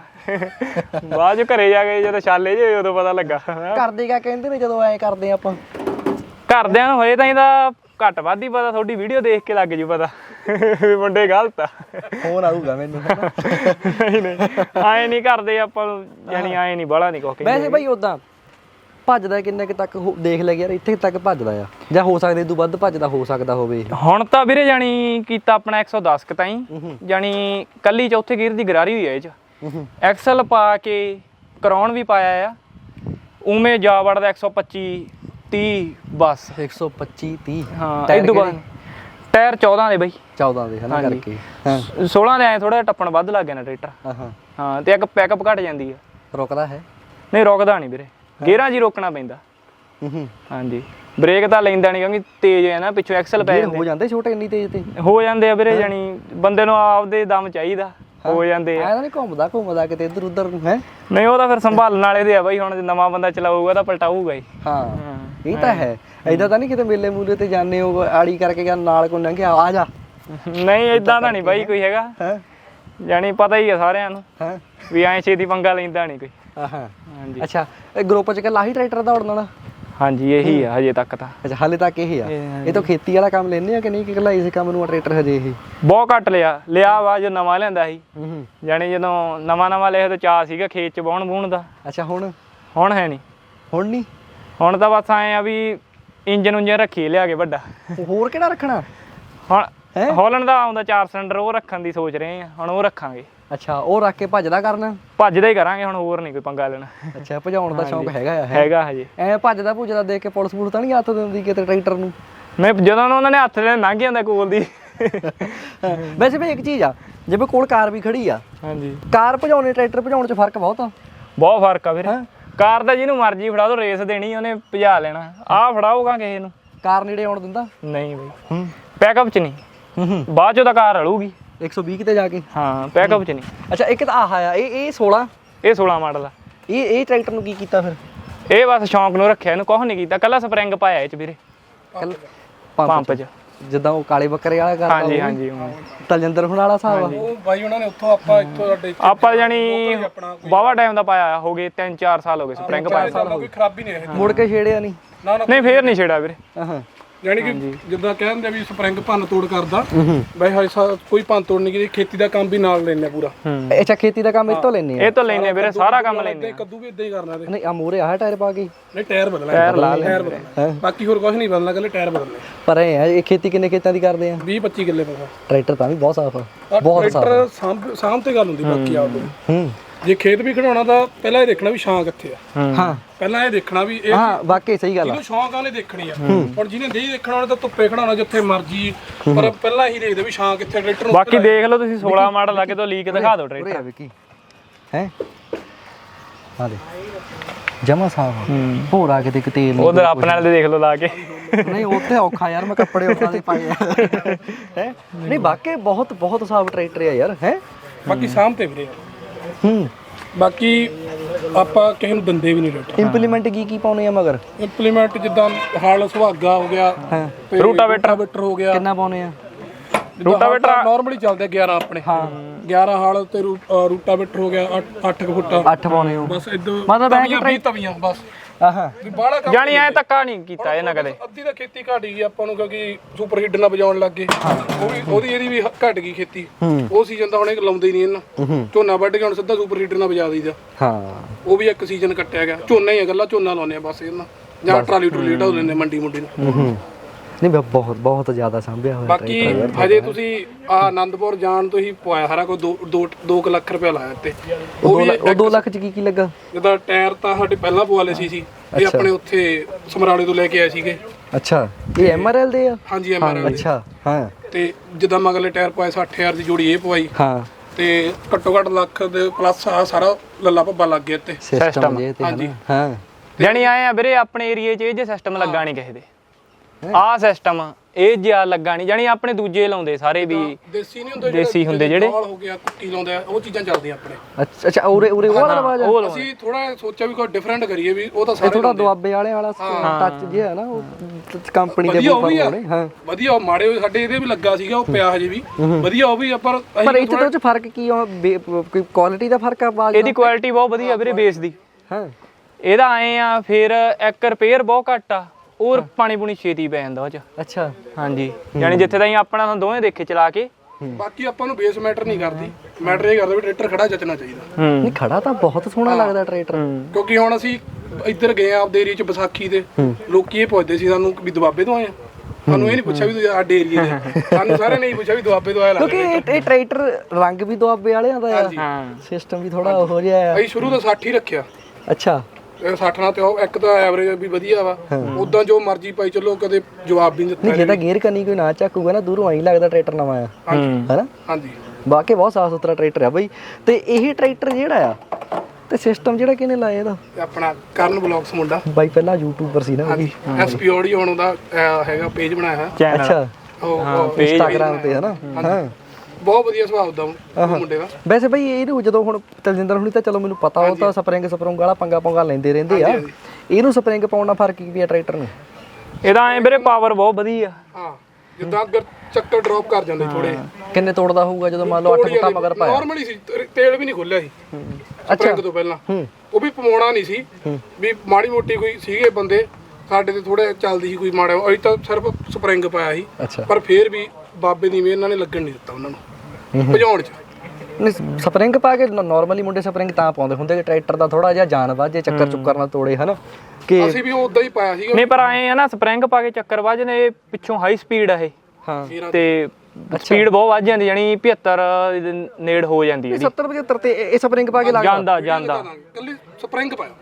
ਬਾਅਦ ਚ ਘਰੇ ਜਾ ਕੇ ਜਦੋਂ ਛਾਲੇ ਜੇ ਉਦੋਂ ਪਤਾ ਲੱਗਾ।
ਕਰਦੇ ਕਿਆ ਕਹਿੰਦੇ ਨੇ ਜਦੋਂ ਐ ਕਰਦੇ ਆਪਾਂ?
ਘਰਦਿਆਂ ਨੂੰ ਹੋਏ ਤਾਂ ਇਹਦਾ ਘੱਟ ਵੱਧ ਹੀ ਪਤਾ, ਤੁਹਾਡੀ ਵੀਡੀਓ ਦੇਖ ਕੇ ਲੱਗ ਜੂ ਪਤਾ ਵੀ ਮੁੰਡੇ ਗਲਤ ਆ।
ਫੋਨ ਆਊਗਾ ਮੈਨੂੰ
ਨਹੀਂ ਨਹੀਂ ਆਏ ਨਹੀਂ ਕਰਦੇ ਆਪਾਂ ਨੂੰ, ਜਾਨੀ ਆਏ ਨਹੀਂ ਬਾਹਲਾ ਨਹੀਂ ਕੁਛ।
ਵੈਸੇ ਭਾਈ ਉਦਾਂ ਭੱਜਦਾ ਕਿੰਨੇ ਕੁ ਤੱਕ ਹੋ- ਦੇਖ ਲੈ ਯਾਰ ਇੱਥੇ ਤੱਕ ਭੱਜਦਾ ਆ, ਜਾਂ ਹੋ ਸਕਦਾ ਇਦੋਂ ਵੱਧ ਭੱਜਦਾ ਹੋ ਸਕਦਾ ਹੋਵੇ?
ਹੁਣ ਤਾਂ ਵੀਰੇ ਜਾਨੀ ਕੀਤਾ ਆਪਣਾ ਇੱਕ ਸੌ ਦਸ ਕ ਤਾਈਂ, ਜਾਨੀ ਕੱਲੀ ਚੌਥੇ ਗੇਅਰ ਦੀ ਗਰਾਰੀ ਹੋਈ ਹੈ ਇਹ ਚ, ਐਕਸਲ ਪਾ ਕੇ ਕਰਾਉਣ ਵੀ ਪਾਇਆ ਆ, ਉਵੇਂ ਜਾ ਵੜਦਾ ਇੱਕ ਸੌ ਪੱਚੀ ਤੀਹ ਬਸ।
ਇੱਕ ਸੌ ਪੱਚੀ ਤੀਹ
ਹਾਂ
ਟਾਇਰ
ਇਦੋਂ ਬਾਅਦ ਟਾਇਰ ਚੌਦਾਂ ਦੇ ਬਈ,
ਚੌਦਾਂ ਦੇ ਹਨਾ
ਹਾਂਜੀ।
ਕਰਕੇ ਹਾਂ
ਸੋਲਾਂ ਦੇ ਆਏ ਥੋੜਾ ਟੱਪਣ ਵੱਧ ਲੱਗ ਗਿਆ ਨਾ ਟਰੈਕਟਰ।
ਹਾਂ ਹਾਂ
ਹਾਂ ਤੇ ਇੱਕ ਪੈਕਅਪ ਘਟ ਜਾਂਦੀ ਆ।
ਰੁਕਦਾ ਹੈ?
ਨਹੀਂ ਰੁਕਦਾ ਨਹੀਂ ਵੀਰੇ, ਗੇਅਰਾਂ 'ਚ ਹੀ ਰੋਕਣਾ ਪੈਂਦਾ।
ਹੂੰ ਹੂੰ
ਹਾਂਜੀ ਬ੍ਰੇਕ ਤਾਂ ਲੈਂਦਾ ਨਹੀਂ ਕਿਉਂਕਿ ਤੇਜ਼ ਹੈ ਨਾ, ਪਿੱਛੋਂ ਐਕਸਲ ਪੈ
ਹੋ ਜਾਂਦੇ ਛੋਟੇ ਇੰਨੀ ਤੇਜ਼ ਤੇ?
ਹੋ ਜਾਂਦੇ ਆ ਵੀਰੇ, ਜਾਨੀ ਬੰਦੇ ਨੂੰ ਆਪਦੇ ਦਮ ਚਾਹੀਦਾ, ਹੋ ਜਾਂਦੇ ਆ।
ਐ ਤਾਂ ਨਹੀਂ ਘੁੰਮਦਾ ਘੁੰਮਦਾ ਕਿਤੇ ਇੱਧਰ ਉੱਧਰ ਨੂੰ ਹੈ?
ਨਹੀਂ ਉਹ ਤਾਂ ਫਿਰ ਸੰਭਾਲਣ ਵਾਲੇ ਦੇ ਆ ਬਾਈ, ਹੁਣ ਜੇ ਨਵਾਂ ਬੰਦਾ ਚਲਾਊਗਾ ਤਾਂ ਪਲਟਾਊਗਾ ਹੀ।
ਹਾਂ ਇਹ ਤਾਂ ਹੈ। ਏਦਾਂ ਤਾਂ ਨਹੀਂ ਕਿਤੇ ਮੇਲੇ ਮੂਲੇ ਤੇ ਜਾਂਦੇ ਹੋ ਆੜੀ ਕਰਕੇ ਜਾਂ ਨਾਲ ਕੋਈ ਲੰਘਿਆ ਆ ਜਾ?
ਨਹੀਂ ਏਦਾਂ ਤਾਂ ਨਹੀਂ ਬਾਈ ਕੋਈ ਹੈਗਾ,
ਹੈ
ਜਾਨੀ ਪਤਾ ਹੀ ਆ ਸਾਰਿਆਂ ਨੂੰ
ਹੈ
ਵੀ ਐਂ ਛੇਤੀ ਪੰਗਾ ਲੈਂਦਾ ਨਹੀਂ ਕੋਈ।
ਆਹਾਂ
ਹਾਂਜੀ
ਅੱਛਾ ਇਹ ਗਰੁੱਪ ਚ ਕੱਲਾ ਹੀ ਟਰੈਕਟਰ ਦੌੜਨ ਵਾਲਾ?
ਹਾਂਜੀ ਇਹੀ ਆ ਹਜੇ ਤੱਕ ਤਾਂ।
ਅੱਛਾ ਹਾਲੇ ਤੱਕ ਇਹ ਆ?
ਇਹ-
ਇਹ ਤਾਂ ਖੇਤੀ ਵਾਲਾ ਕੰਮ ਲੈਂਦੇ ਆ ਕਿ ਨਹੀਂ, ਕਿ ਕੱਲਾ ਇਸੇ ਕੰਮ ਨੂੰ ਟਰੈਕਟਰ ਹਜੇ ਇਹ?
ਬਹੁਤ ਘੱਟ ਲਿਆ ਲਿਆ ਵਾ ਜੋ ਨਵਾਂ ਲਿਆਂਦਾ ਸੀ,
ਹੂੰ ਹੂੰ
ਜਾਨੀ ਜਦੋਂ ਨਵਾਂ ਨਵਾਂ ਲਿਆ ਤਾਂ ਚਾਅ ਸੀਗਾ ਖੇਤ ਚ ਬਾਉਣ ਬੂਣ ਦਾ।
ਅੱਛਾ ਹੁਣ
ਹੁਣ ਹੈ ਨਹੀਂ,
ਹੁਣ ਨਹੀਂ?
ਹੁਣ ਤਾਂ ਬਸ ਐਂ ਆ ਵੀ ਇੰਜਨ ਉਂਜਨ ਰੱਖੀ ਲਿਆ ਕੇ ਵੱਡਾ।
ਹੋਰ ਕਿਹੜਾ ਰੱਖਣਾ?
ਹੁਣ
ਹੈਂ?
ਹਾਲੈਂਡ ਦਾ ਆਉਂਦਾ ਚਾਰ ਸਿਲੰਡਰ, ਉਹ ਰੱਖਣ ਦੀ ਸੋਚ ਰਹੇ ਆ, ਹੁਣ ਉਹ ਰੱਖਾਂਗੇ।
ਅੱਛਾ ਉਹ ਰੱਖ ਕੇ ਭੱਜਦਾ ਕਰਨਾ?
ਭੱਜਦਾ ਹੀ ਕਰਾਂਗੇ ਹੁਣ, ਹੋਰ ਨਹੀਂ ਕੋਈ ਪੰਗਾ ਲੈਣਾ।
ਅੱਛਾ ਭਜਾਉਣ ਦਾ ਸ਼ੌਂਕ ਹੈਗਾ ਆ? ਹੈ
ਹੈਗਾ ਹਜੇ।
ਐ ਭੱਜਦਾ ਭੁੱਜਦਾ ਦੇਖ ਕੇ ਪੁਲਿਸ ਪੁਲਿਸ ਤਾਂ ਨਹੀਂ ਹੱਥ ਦਿੰਦੀ ਕਿਤੇ ਟਰੈਕਟਰ ਨੂੰ?
ਮੈਂ ਜਦੋਂ ਉਹਨਾਂ ਨੇ ਹੱਥ ਲੈ ਲੰਘ ਜਾਂਦਾ ਕੋਲ ਦੀ।
ਵੈਸੇ ਵੀ ਇੱਕ ਚੀਜ਼ ਆ, ਜਿਵੇਂ ਕੋਲ ਕਾਰ ਵੀ ਖੜੀ ਆ,
ਹਾਂਜੀ
ਕਾਰ ਭਜਾਉਣੇ ਟਰੈਕਟਰ ਭਜਾਉਣ ਚ ਫਰਕ ਬਹੁਤ ਆ।
ਬਹੁਤ ਫਰਕ ਆ ਵੀਰੇ। ਕਾਰ ਦਾ ਜਿਹਨੂੰ ਮਰਜ਼ੀ ਫੜਾ ਦੋ, ਰੇਸ ਦੇਣੀ ਉਹਨੇ ਭਜਾ ਲੈਣਾ। ਆਹ ਫੜਾਊਗਾ ਕਿਸੇ ਨੂੰ,
ਕਾਰ ਨੇੜੇ ਆਉਣ ਦਿੰਦਾ?
ਨਹੀਂ ਬਈ
ਹੂੰ
ਪੈਕਅਪ ਚ ਨਹੀਂ,
ਹੂੰ ਹੂੰ
ਬਾਅਦ ਚੋਂ ਤਾਂ ਕਾਰ ਹਲੂਗੀ।
ਇੱਕ ਸੌ ਵੀਹ ਕਿਤੇ ਜਾ ਕੇ?
ਹਾਂ ਪੈਕਅਪ ਚ ਨਹੀਂ।
ਅੱਛਾ ਇੱਕ ਤਾਂ ਆਹ ਆ, ਇਹ ਇਹ ਸੋਲਾਂ,
ਇਹ ਸੋਲਾਂ ਮਾਡਲ ਆ।
ਇਹ ਇਹ ਟਰੈਕਟਰ ਨੂੰ ਕੀ ਕੀਤਾ ਫਿਰ?
ਇਹ ਬਸ ਸ਼ੌਂਕ ਨੂੰ ਰੱਖਿਆ, ਇਹਨੂੰ ਕੁਛ ਨਹੀਂ ਕੀਤਾ, ਕੱਲਾ ਸਪਰਿੰਗ ਪਾਇਆ ਇਹ ਚ ਵੀਰੇ,
ਕੱਲ
ਪੰਪ ਚ।
ਜਿੱਦਾਂ ਉਹ ਕਾਲੇ ਬੱਕਰੇ ਵਾਲਾ ਕਰਦਾ?
ਹਾਂਜੀ ਹਾਂਜੀ ਉਵੇਂ।
ਤਲਜਿੰਦਰ ਹੁਣ ਵਾਲਾ ਹਿਸਾਬ ਆ?
ਉਹ ਬਾਈ ਉਹਨਾਂ ਨੇ ਉੱਥੋਂ ਆਪਾਂ ਇੱਥੋਂ ਸਾਡੇ ਇੱਥੇ
ਆਪਾਂ ਜਾਨੀ ਬਾਵਾ ਟਾਈਮ ਦਾ ਪਾਇਆ, ਹੋ ਗਏ ਤਿੰਨ ਚਾਰ ਸਾਲ ਹੋ ਗਏ ਸਪਰਿੰਗ ਪਾਇਆ।
ਕੋਈ ਖਰਾਬੀ ਨਹੀਂ ਇਹ।
ਮੁੜ ਕੇ ਛੇੜਿਆ ਨਹੀਂ?
ਨਾ ਨਾ
ਨਹੀਂ ਫੇਰ ਨਹੀਂ ਛੇੜਾ ਵੀਰੇ,
ਹਾਂ
ਯਾਨੀ ਕਿ ਜਿੱਦਾਂ ਕਹਿੰਦੇ ਵੀ ਸਪਰਿੰਗ ਭੰਨ ਤੋੜ ਕਰਦਾ ਬਈ ਹਾਈ ਕੋਈ ਭੰਨ ਤੋੜ ਨਹੀਂ ਕੀਤੀ ਖੇਤੀ ਦਾ ਕੰਮ ਵੀ ਨਾਲ ਲੈਣੇ ਪੂਰਾ
ਅੱਛਾ ਖੇਤੀ ਦਾ ਕੰਮ ਇਹ ਤੋਂ ਲੈਣੇ ਆ
ਇਹ ਤੋਂ ਲੈਣੇ ਵੀਰੇ ਸਾਰਾ ਕੰਮ ਲੈਣੇ
ਕੱਦੂ ਵੀ ਇਦਾਂ ਹੀ ਕਰਨਾ ਤੇ
ਨਹੀਂ ਆ ਮੂਰੇ ਆਹ ਟਾਇਰ ਪਾ ਕੇ
ਨਹੀਂ ਟਾਇਰ ਬਦਲਣਾ
ਟਾਇਰ ਲਾ ਲੈ
ਟਾਇਰ ਬਦਲਣਾ ਬਾਕੀ ਹੋਰ ਕੁਝ ਨਹੀਂ ਬਦਲਣਾ ਕੱਲੇ ਟਾਇਰ ਬਦਲਣੇ
ਪਰ ਇਹ ਆ ਇਹ ਖੇਤੀ ਕਿੰਨੇ ਖੇਤਾਂ ਦੀ ਕਰਦੇ ਆ
ਵੀਹ ਪੱਚੀ ਕਿੱਲੇ ਪਾ
ਟਰੈਕਟਰ ਤਾਂ ਵੀ ਬਹੁਤ ਸਾਫ਼ ਆ ਬਹੁਤ ਸਾਫ਼
ਟਰੈਕਟਰ ਸਾਂਭ ਸਾਂਭ ਤੇ ਗੱਲ ਹੁੰਦੀ ਬਾਕੀ ਆਪ
ਹੂੰ
ਜੇ ਖੇਤ ਵੀ ਖੜਾਉਣਾ ਤਾਂ ਪਹਿਲਾਂ ਇਹ ਦੇਖਣਾ ਵੀ ਛਾਂ ਕਿੱਥੇ ਆ
ਹਾਂ
ਪਹਿਲਾਂ ਇਹ ਦੇਖਣਾ ਵੀ ਇਹ
ਹਾਂ ਵਾਕਈ ਸਹੀ ਗੱਲ ਆ
ਇਹਨੂੰ ਸ਼ੌਂਕ ਆਨੇ ਦੇਖਣੀ ਆ ਹੁਣ ਜਿਹਨੇ ਨਹੀਂ ਦੇਖਣਾ ਉਹਨੇ ਤਾਂ ਧੁੱਪੇ ਖੜਾਉਣਾ ਜਿੱਥੇ ਮਰਜੀ ਪਰ ਪਹਿਲਾਂ ਹੀ ਦੇਖਦੇ ਵੀ ਛਾਂ ਕਿੱਥੇ ਟਰੈਕਟਰ ਨੂੰ
ਬਾਕੀ ਦੇਖ ਲਓ ਤੁਸੀਂ ਸੋਲਾਂ ਮਾਡਲ ਲੱਗੇ ਤੋਂ ਲੀਕ ਦਿਖਾ ਦਿਓ ਟਰੈਕਟਰ
ਉਰੇ ਆ ਵਿੱਕੀ ਹੈ ਆ ਦੇ ਜਮਾ ਸਾਫ਼ ਭੋਰਾ ਕਿਤੇ ਕਿਤੇ ਤੇਲ ਨਹੀਂ
ਉਧਰ ਆਪਣੇ ਨਾਲ ਦੇ ਦੇਖ ਲਓ ਲਾ ਕੇ
ਨਹੀਂ ਉੱਥੇ ਔਖਾ ਯਾਰ ਮੈਂ ਕੱਪੜੇ ਉੱਪਰ ਦੇ ਪਾਏ ਆ ਹੈ ਨਹੀਂ ਵਾਕਈ ਬਹੁਤ ਬਹੁਤ ਸਾਫ਼ ਟਰੈਕਟਰ ਆ ਯਾਰ ਹੈ
ਬਾਕੀ ਸਾਂਭ ਤੇ ਵੀਰੇ
ਹੂੰ
ਬਾਕੀ ਆਪਾਂ ਕਿਸੇ ਨੂੰ ਦੰਦੇ ਵੀ ਨਹੀਂ ਰੇਟ
ਇੰਪਲੀਮੈਂਟ ਕੀ ਕੀ ਪਾਉਣੇ ਆ ਮਗਰ
ਇੰਪਲੀਮੈਂਟ ਜਿੱਦਾਂ ਹਾਲ ਸੁਹਾਗਾ ਹੋ ਗਿਆ
ਹਾਂ
ਰੂਟਾਵੇਟਰ ਹੋ ਗਿਆ
ਕਿੰਨਾ ਪਾਉਣੇ ਆ
ਰੂਟਾਵੇਟਰ ਨਾਰਮਲੀ ਚੱਲਦੇ ਗਿਆਰਾਂ ਆਪਣੇ ਹਾਂ ਗਿਆਰਾਂ ਹਾਲ ਤੇ ਰੂਟਾਵੇਟਰ ਹੋ ਗਿਆ ਅੱਠ ਫੁੱਟਾ
ਅੱਠ ਪਾਉਣੇ ਹੋ
ਬਸ ਇਦੋਂ
ਮਤਲਬ ਐ ਕਿ
ਵੀਹ ਤਵੀਆਂ ਬਸ
ਆਹਾਂ
ਵੀ ਬਾਹਲਾ ਕੰਮ
ਜਾਣੀ ਐ ਧੱਕਾ ਨਹੀਂ ਕੀਤਾ ਇਹਨਾਂ ਕਦੇ
ਅੱਧੀ ਤਾਂ ਖੇਤੀ ਘਟ ਗਈ ਆਪਾਂ ਨੂੰ ਕਿਉਂਕਿ ਸੁਪਰ ਹੀਟਰ ਨਾਲ ਵਜਾਉਣ ਲੱਗ ਗਏ ਉਹ ਵੀ ਉਹਦੀ ਇਹਦੀ ਵੀ ਘਟ ਗਈ ਖੇਤੀ ਉਹ ਸੀਜ਼ਨ ਤਾਂ ਹੁਣ ਇਹ ਲਾਉਂਦੇ ਹੀ ਨਹੀਂ ਇਹਨਾਂ ਝੋਨਾ ਵੱਢ ਕੇ ਹੁਣ ਸਿੱਧਾ ਸੁਪਰ ਹੀਟਰ ਨਾਲ ਵਜਾ ਦਈਦਾ
ਹਾਂ
ਉਹ ਵੀ ਇੱਕ ਸੀਜ਼ਨ ਕੱਟਿਆ ਗਿਆ ਝੋਨਾ ਹੀ ਆ ਗੱਲਾਂ ਝੋਨਾ ਲਾਉਂਦੇ ਆ ਬਸ ਇਹਨਾਂ ਜਾਂ ਟਰਾਲੀ ਟਰੂਲੀ ਢਾ ਲੈਂਦੇ ਮੰਡੀ ਮੁੰਡੀ ਨੂੰ
ਨਹੀਂ ਬਹੁਤ ਬਹੁਤ ਜ਼ਿਆਦਾ ਸੰਭਿਆ ਹੋਇਆ
ਬਾਕੀ ਹਜੇ ਤੁਸੀਂ ਆ ਆਨੰਦਪੁਰ ਜਾਣ ਤੋਂ ਹੀ ਪਵਾਇਆ ਸਾਰਾ ਕੋਈ ਦੋ ਦੋ ਲੱਖ ਰੁਪਏ ਲਾਇਆ ਤੇ
ਉਹ ਵੀ ਉਹ ਦੋ ਲੱਖ ਚ ਕੀ ਕੀ ਲੱਗਾ
ਜਿਹਦਾ ਟਾਇਰ ਤਾਂ ਸਾਡੇ ਪਹਿਲਾਂ ਪਵਾ ਲਏ ਸੀ ਸੀ ਇਹ ਆਪਣੇ ਉੱਥੇ ਸਮਰਾਲੇ ਤੋਂ ਲੈ ਕੇ ਆਏ ਸੀਗੇ
ਅੱਛਾ ਇਹ ਐਮ ਆਰ ਐਲ ਦੇ ਆ
ਹਾਂਜੀ ਐਮ ਆਰ ਐਲ
ਅੱਛਾ ਹਾਂ
ਤੇ ਜਿੱਦਾਂ ਮਗਲੇ ਟਾਇਰ ਪਵਾਏ ਸੱਠ ਹਜ਼ਾਰ ਦੀ ਜੋੜੀ ਇਹ ਪਵਾਈ
ਹਾਂ
ਤੇ ਘੱਟੋ ਘੱਟ ਲੱਖ ਦੇ ਪਲੱਸ ਆ ਸਾਰਾ ਲੱਲਾ ਭੱਬਾ ਲੱਗ ਗਿਆ ਤੇ
ਸਿਸਟਮ ਜੇ ਤੇ ਹਨਾ ਹਾਂ
ਜਾਣੀ ਆਏ ਆ ਵੀਰੇ ਆਪਣੇ ਏਰੀਏ 'ਚ ਇਹ ਜੇ ਸਿਸਟਮ ਲੱਗਾ ਨਹੀਂ ਕਿਸੇ ਦੇ ਆਹ ਸਿਸਟਮ ਇਹ ਜਿਹਾ ਲੱਗਾ ਨਹੀਂ ਜਾਣੀ ਆਪਣੇ ਦੂਜੇ ਲਾਉਂਦੇ ਸਾਰੇ ਵੀ
ਦੇਸੀ ਨਹੀਂ ਹੁੰਦੇ
ਦੇਸੀ ਹੁੰਦੇ ਜਿਹੜੇ
ਨਾਲ ਹੋ ਗਿਆ ਕੁੱਟੀ ਲਾਉਂਦੇ ਆ ਉਹ ਚੀਜ਼ਾਂ ਚੱਲਦੀਆਂ ਆਪਣੇ
ਅੱਛਾ ਅੱਛਾ ਉਰੇ ਉਰੇ ਉਹ ਵਾਲਾ ਰਵਾਜ
ਉਹ
ਅਸੀਂ ਥੋੜਾ ਸੋਚਿਆ ਵੀ ਕੋਈ ਡਿਫਰੈਂਟ ਕਰੀਏ ਵੀ ਉਹ ਤਾਂ ਸਾਰੇ
ਥੋੜਾ ਦੁਆਬੇ ਵਾਲੇ ਵਾਲਾ ਟੱਚ ਜਿਹਾ ਹੈ ਨਾ ਉਹ ਕੰਪਨੀ ਦੇ
ਵਧੀਆ ਉਹ ਵੀ ਆ
ਬੂਫਰ ਹਾਂ
ਵਧੀਆ ਉਹ ਮਾੜੇ ਹੋਏ ਸਾਡੇ ਇਹਦੇ ਵੀ ਲੱਗਾ ਸੀਗਾ ਉਹ ਪਿਆ ਹਜੇ ਵੀ ਵਧੀਆ ਉਹ ਵੀ ਆ ਪਰ
ਪਰ ਇੱਥੇ ਤੋਂ ਚ ਫਰਕ ਕੀ ਆ ਬੇ- ਕੋਈ ਕੁਆਲਿਟੀ ਦਾ ਫਰਕ ਆ ਆਵਾਜ਼
ਇਹਦੀ ਕੁਆਲਿਟੀ ਬਹੁਤ ਵਧੀਆ ਵੀਰੇ ਬੇਸ ਦੀ
ਹਾਂ
ਇਹਦਾ ਆਏ ਆ ਫਿਰ ਇੱਕ ਰਿਪੇਅਰ ਬਹੁਤ ਘੱਟ ਆ ਔਰ ਪਾਣੀ ਪੂਣੀ ਛੇਤੀ ਪੈ ਜਾਂਦਾ ਉਹ ਚ
ਅੱਛਾ
ਹਾਂਜੀ ਯਾਨੀ ਜਿੱਥੇ ਤਾਈਂ ਆਪਣਾ ਤੁਹਾਨੂੰ ਦੋਵੇਂ ਦੇਖੇ ਚਲਾ ਕੇ
ਬਾਕੀ ਆਪਾਂ ਨੂੰ ਬੇਸ ਮੈਟਰ ਨਹੀਂ ਕਰਦੀ ਮੈਟਰ ਇਹ ਕਰਦਾ ਵੀ ਟਰੈਕਟਰ ਖੜਾ ਜੱਚਣਾ ਚਾਹੀਦਾ
ਨਹੀਂ ਖੜਾ ਤਾਂ ਬਹੁਤ ਸੋਹਣਾ ਲੱਗਦਾ ਟਰੈਕਟਰ
ਕਿਉਂਕਿ ਹੁਣ ਅਸੀਂ ਇੱਧਰ ਗਏ ਆ ਆਪਦੇ ਏਰੀਏ ਚ ਵਿਸਾਖੀ ਦੇ ਲੋਕੀ ਇਹ ਪੁੱਛਦੇ ਸੀ ਸਾਨੂੰ ਵੀ ਦੁਆਬੇ ਤੋਂ ਆਏ ਆ ਸਾਨੂੰ ਇਹ ਨਹੀਂ ਪੁੱਛਿਆ ਵੀ ਤੁਸੀਂ ਸਾਡੇ ਏਰੀਏ ਦੇ ਸਾਨੂੰ ਸਾਰਿਆਂ ਨੇ ਇਹ ਪੁੱਛਿਆ ਵੀ ਦੁਆਬੇ ਤੋਂ ਆਇਆ ਲੱਗਦਾ
ਕਿਉਂਕਿ ਇਹ ਟਰੈਕਟਰ ਰੰਗ ਵੀ ਦੁਆਬੇ ਵਾਲਿਆਂ ਦਾ ਆ
ਹਾਂ
ਸਿਸਟਮ ਵੀ ਥੋੜਾ ਉਹੋ ਜਿਹਾ ਆ
ਅਸੀਂ ਸ਼ੁਰੂ ਤੋਂ ਸੱਠ ਹੀ ਰੱਖਿਆ
ਅੱਛਾ
ਇਹ ਸੱਠ ਨਾਲ ਤੇ ਉਹ ਇੱਕ ਤਾਂ ਐਵਰੇਜ ਵੀ ਵਧੀਆ ਵਾ ਉਦਾਂ ਜੋ ਮਰਜ਼ੀ ਪਾਈ ਚੱਲੋ ਕਦੇ ਜਵਾਬ ਵੀ ਨਹੀਂ
ਨਹੀਂ
ਦਿੱਤਾ
ਜੇ ਤਾਂ ਗੇਅਰ ਕਰਨੀ ਕੋਈ ਨਾ ਚੱਕੂਗਾ ਨਾ ਦੂਰੋਂ ਆਈ ਲੱਗਦਾ ਟਰੈਕਟਰ ਨਵਾਂ ਆ ਹੈਨਾ
ਹਾਂਜੀ
ਬਾਕੀ ਬਹੁਤ ਸਾਫ ਸੁਥਰਾ ਟਰੈਕਟਰ ਆ ਬਈ ਤੇ ਇਹ ਟਰੈਕਟਰ ਜਿਹੜਾ ਆ ਤੇ ਸਿਸਟਮ ਜਿਹੜਾ ਕਿਹਨੇ ਲਾਇਆ ਇਹਦਾ
ਤੇ ਆਪਣਾ ਕਰਨ ਬਲੌਗਸ ਮੁੰਡਾ
ਬਾਈ ਪਹਿਲਾਂ ਯੂਟਿਊਬਰ ਸੀ ਨਾ ਉਹ ਵੀ
ਐਸਪੀ ਆਡੀਓ ਹੁਣ ਉਹਦਾ ਅਹ, ਹੈਗਾ ਪੇਜ ਬਣਾਇਆ ਹੋਇਆ
ਚੈਨਲ
ਅੱਛਾ
ਉਹ ਉਹ
ਇੰਸਟਾਗ੍ਰਾਮ ਤੇ ਹਨਾ ਹਾਂ
ਬਹੁਤ ਵਧੀਆ ਸੁਭਾਅ ਦਾ ਉਹ ਮੁੰਡੇ ਦਾ
ਵੈਸੇ ਬਈ ਇਹਨੂੰ ਜਦੋਂ ਹੁਣ ਤਲਜਿੰਦਰ ਹੁਣੀ ਤਾਂ ਚਲੋ ਮੈਨੂੰ ਪਤਾ ਉਹ ਤਾਂ ਸਪਰਿੰਗ ਸਪਰੁੰਗ ਵਾਲਾ ਪੰਗਾ ਪੰਗਾ ਲੈਂਦੇ ਰਹਿੰਦੇ ਆ ਇਹਨੂੰ ਸਪਰਿੰਗ ਪਾਉਣ ਨਾਲ ਫਰਕ ਕੀ ਆ ਟਰੈਕਟਰ ਨੂੰ
ਇਹਦਾ ਐ ਵੀਰੇ ਪਾਵਰ ਬਹੁਤ ਵਧੀਆ
ਹਾਂ ਜਿੱਦਾਂ ਅਗਰ ਚੱਕਰ ਡ੍ਰੌਪ ਕਰ ਜਾਂਦੇ ਥੋੜੇ
ਕਿੰਨੇ ਤੋੜਦਾ ਹੋਊਗਾ ਜਦੋਂ ਮੰਨ ਲਓ ਅੱਠ ਫੁੱਟਾ ਮਗਰ ਪਾਇਆ
ਨਾਰਮਲੀ ਸੀ ਤੇ- ਤੇਲ ਵੀ ਨਹੀਂ ਖੁੱਲਿਆ ਸੀ ਸਪਰਿੰਗ ਤੋਂ ਪਹਿਲਾਂ ਉਹ ਵੀ ਪਵਾਉਣਾ ਨਹੀਂ ਸੀ ਵੀ ਮਾੜੀ ਮੋਟੀ ਕੋਈ ਸੀਗੇ ਬੰਦੇ ਸਾਡੇ ਤੇ ਥੋੜੇ ਚੱਲਦੀ ਸੀ ਕੋਈ ਮਾੜਾ ਅਸੀਂ ਤਾਂ ਸਿਰਫ ਸਪਰਿੰਗ ਪਾਇਆ ਸੀ
ਅੱਛਾ
ਪਰ ਫੇਰ ਵੀ ਬਾਬੇ ਦੀ ਮਿਹਰ ਨਾਲ ਨੇ ਲੱਗਣ ਨਹੀਂ ਦਿੱਤਾ ਉਹਨਾਂ ਨੂੰ ਭਜਾਉਣ ਚ
ਨਹੀਂ ਸਪਰਿੰਗ ਪਾ ਕੇ ਨਾਰਮਲੀ ਮੁੰਡੇ ਸਪਰਿੰਗ ਤਾਂ ਪਾਉਂਦੇ ਹੁੰਦੇ ਕਿ ਟਰੈਕਟਰ ਦਾ ਥੋੜਾ ਜਿਹਾ ਜਾਨ ਵੱਜ ਜੇ ਚੱਕਰ ਚੁੱਕਰ ਨਾ ਤੋੜੇ ਹਨਾ ਕਿ
ਅਸੀਂ ਵੀ ਉਦਾਂ ਹੀ ਪਾਇਆ ਸੀਗਾ
ਨਹੀਂ ਪਰ ਆਏ ਆ ਨਾ ਸਪਰਿੰਗ ਪਾ ਕੇ ਚੱਕਰ ਵੱਜ ਨੇ ਪਿੱਛੋਂ ਹਾਈ ਸਪੀਡ ਆ ਇਹ
ਹਾਂ
ਤੇ ਸਪੀਡ ਬਹੁਤ ਵੱਜ ਜਾਂਦੀ ਜਾਨੀ ਪਝੱਤਰ ਦੇ ਨੇੜ ਹੋ ਜਾਂਦੀ ਹੈ
ਸੱਤਰ ਪਝੱਤਰ ਤੇ ਇਹ ਸਪਰਿੰਗ ਪਾ ਕੇ ਲੱਗਦਾ
ਜਾਂਦਾ ਜਾਂਦਾ
ਕੱਲੀ ਸਪਰਿੰਗ ਪਾਇਆ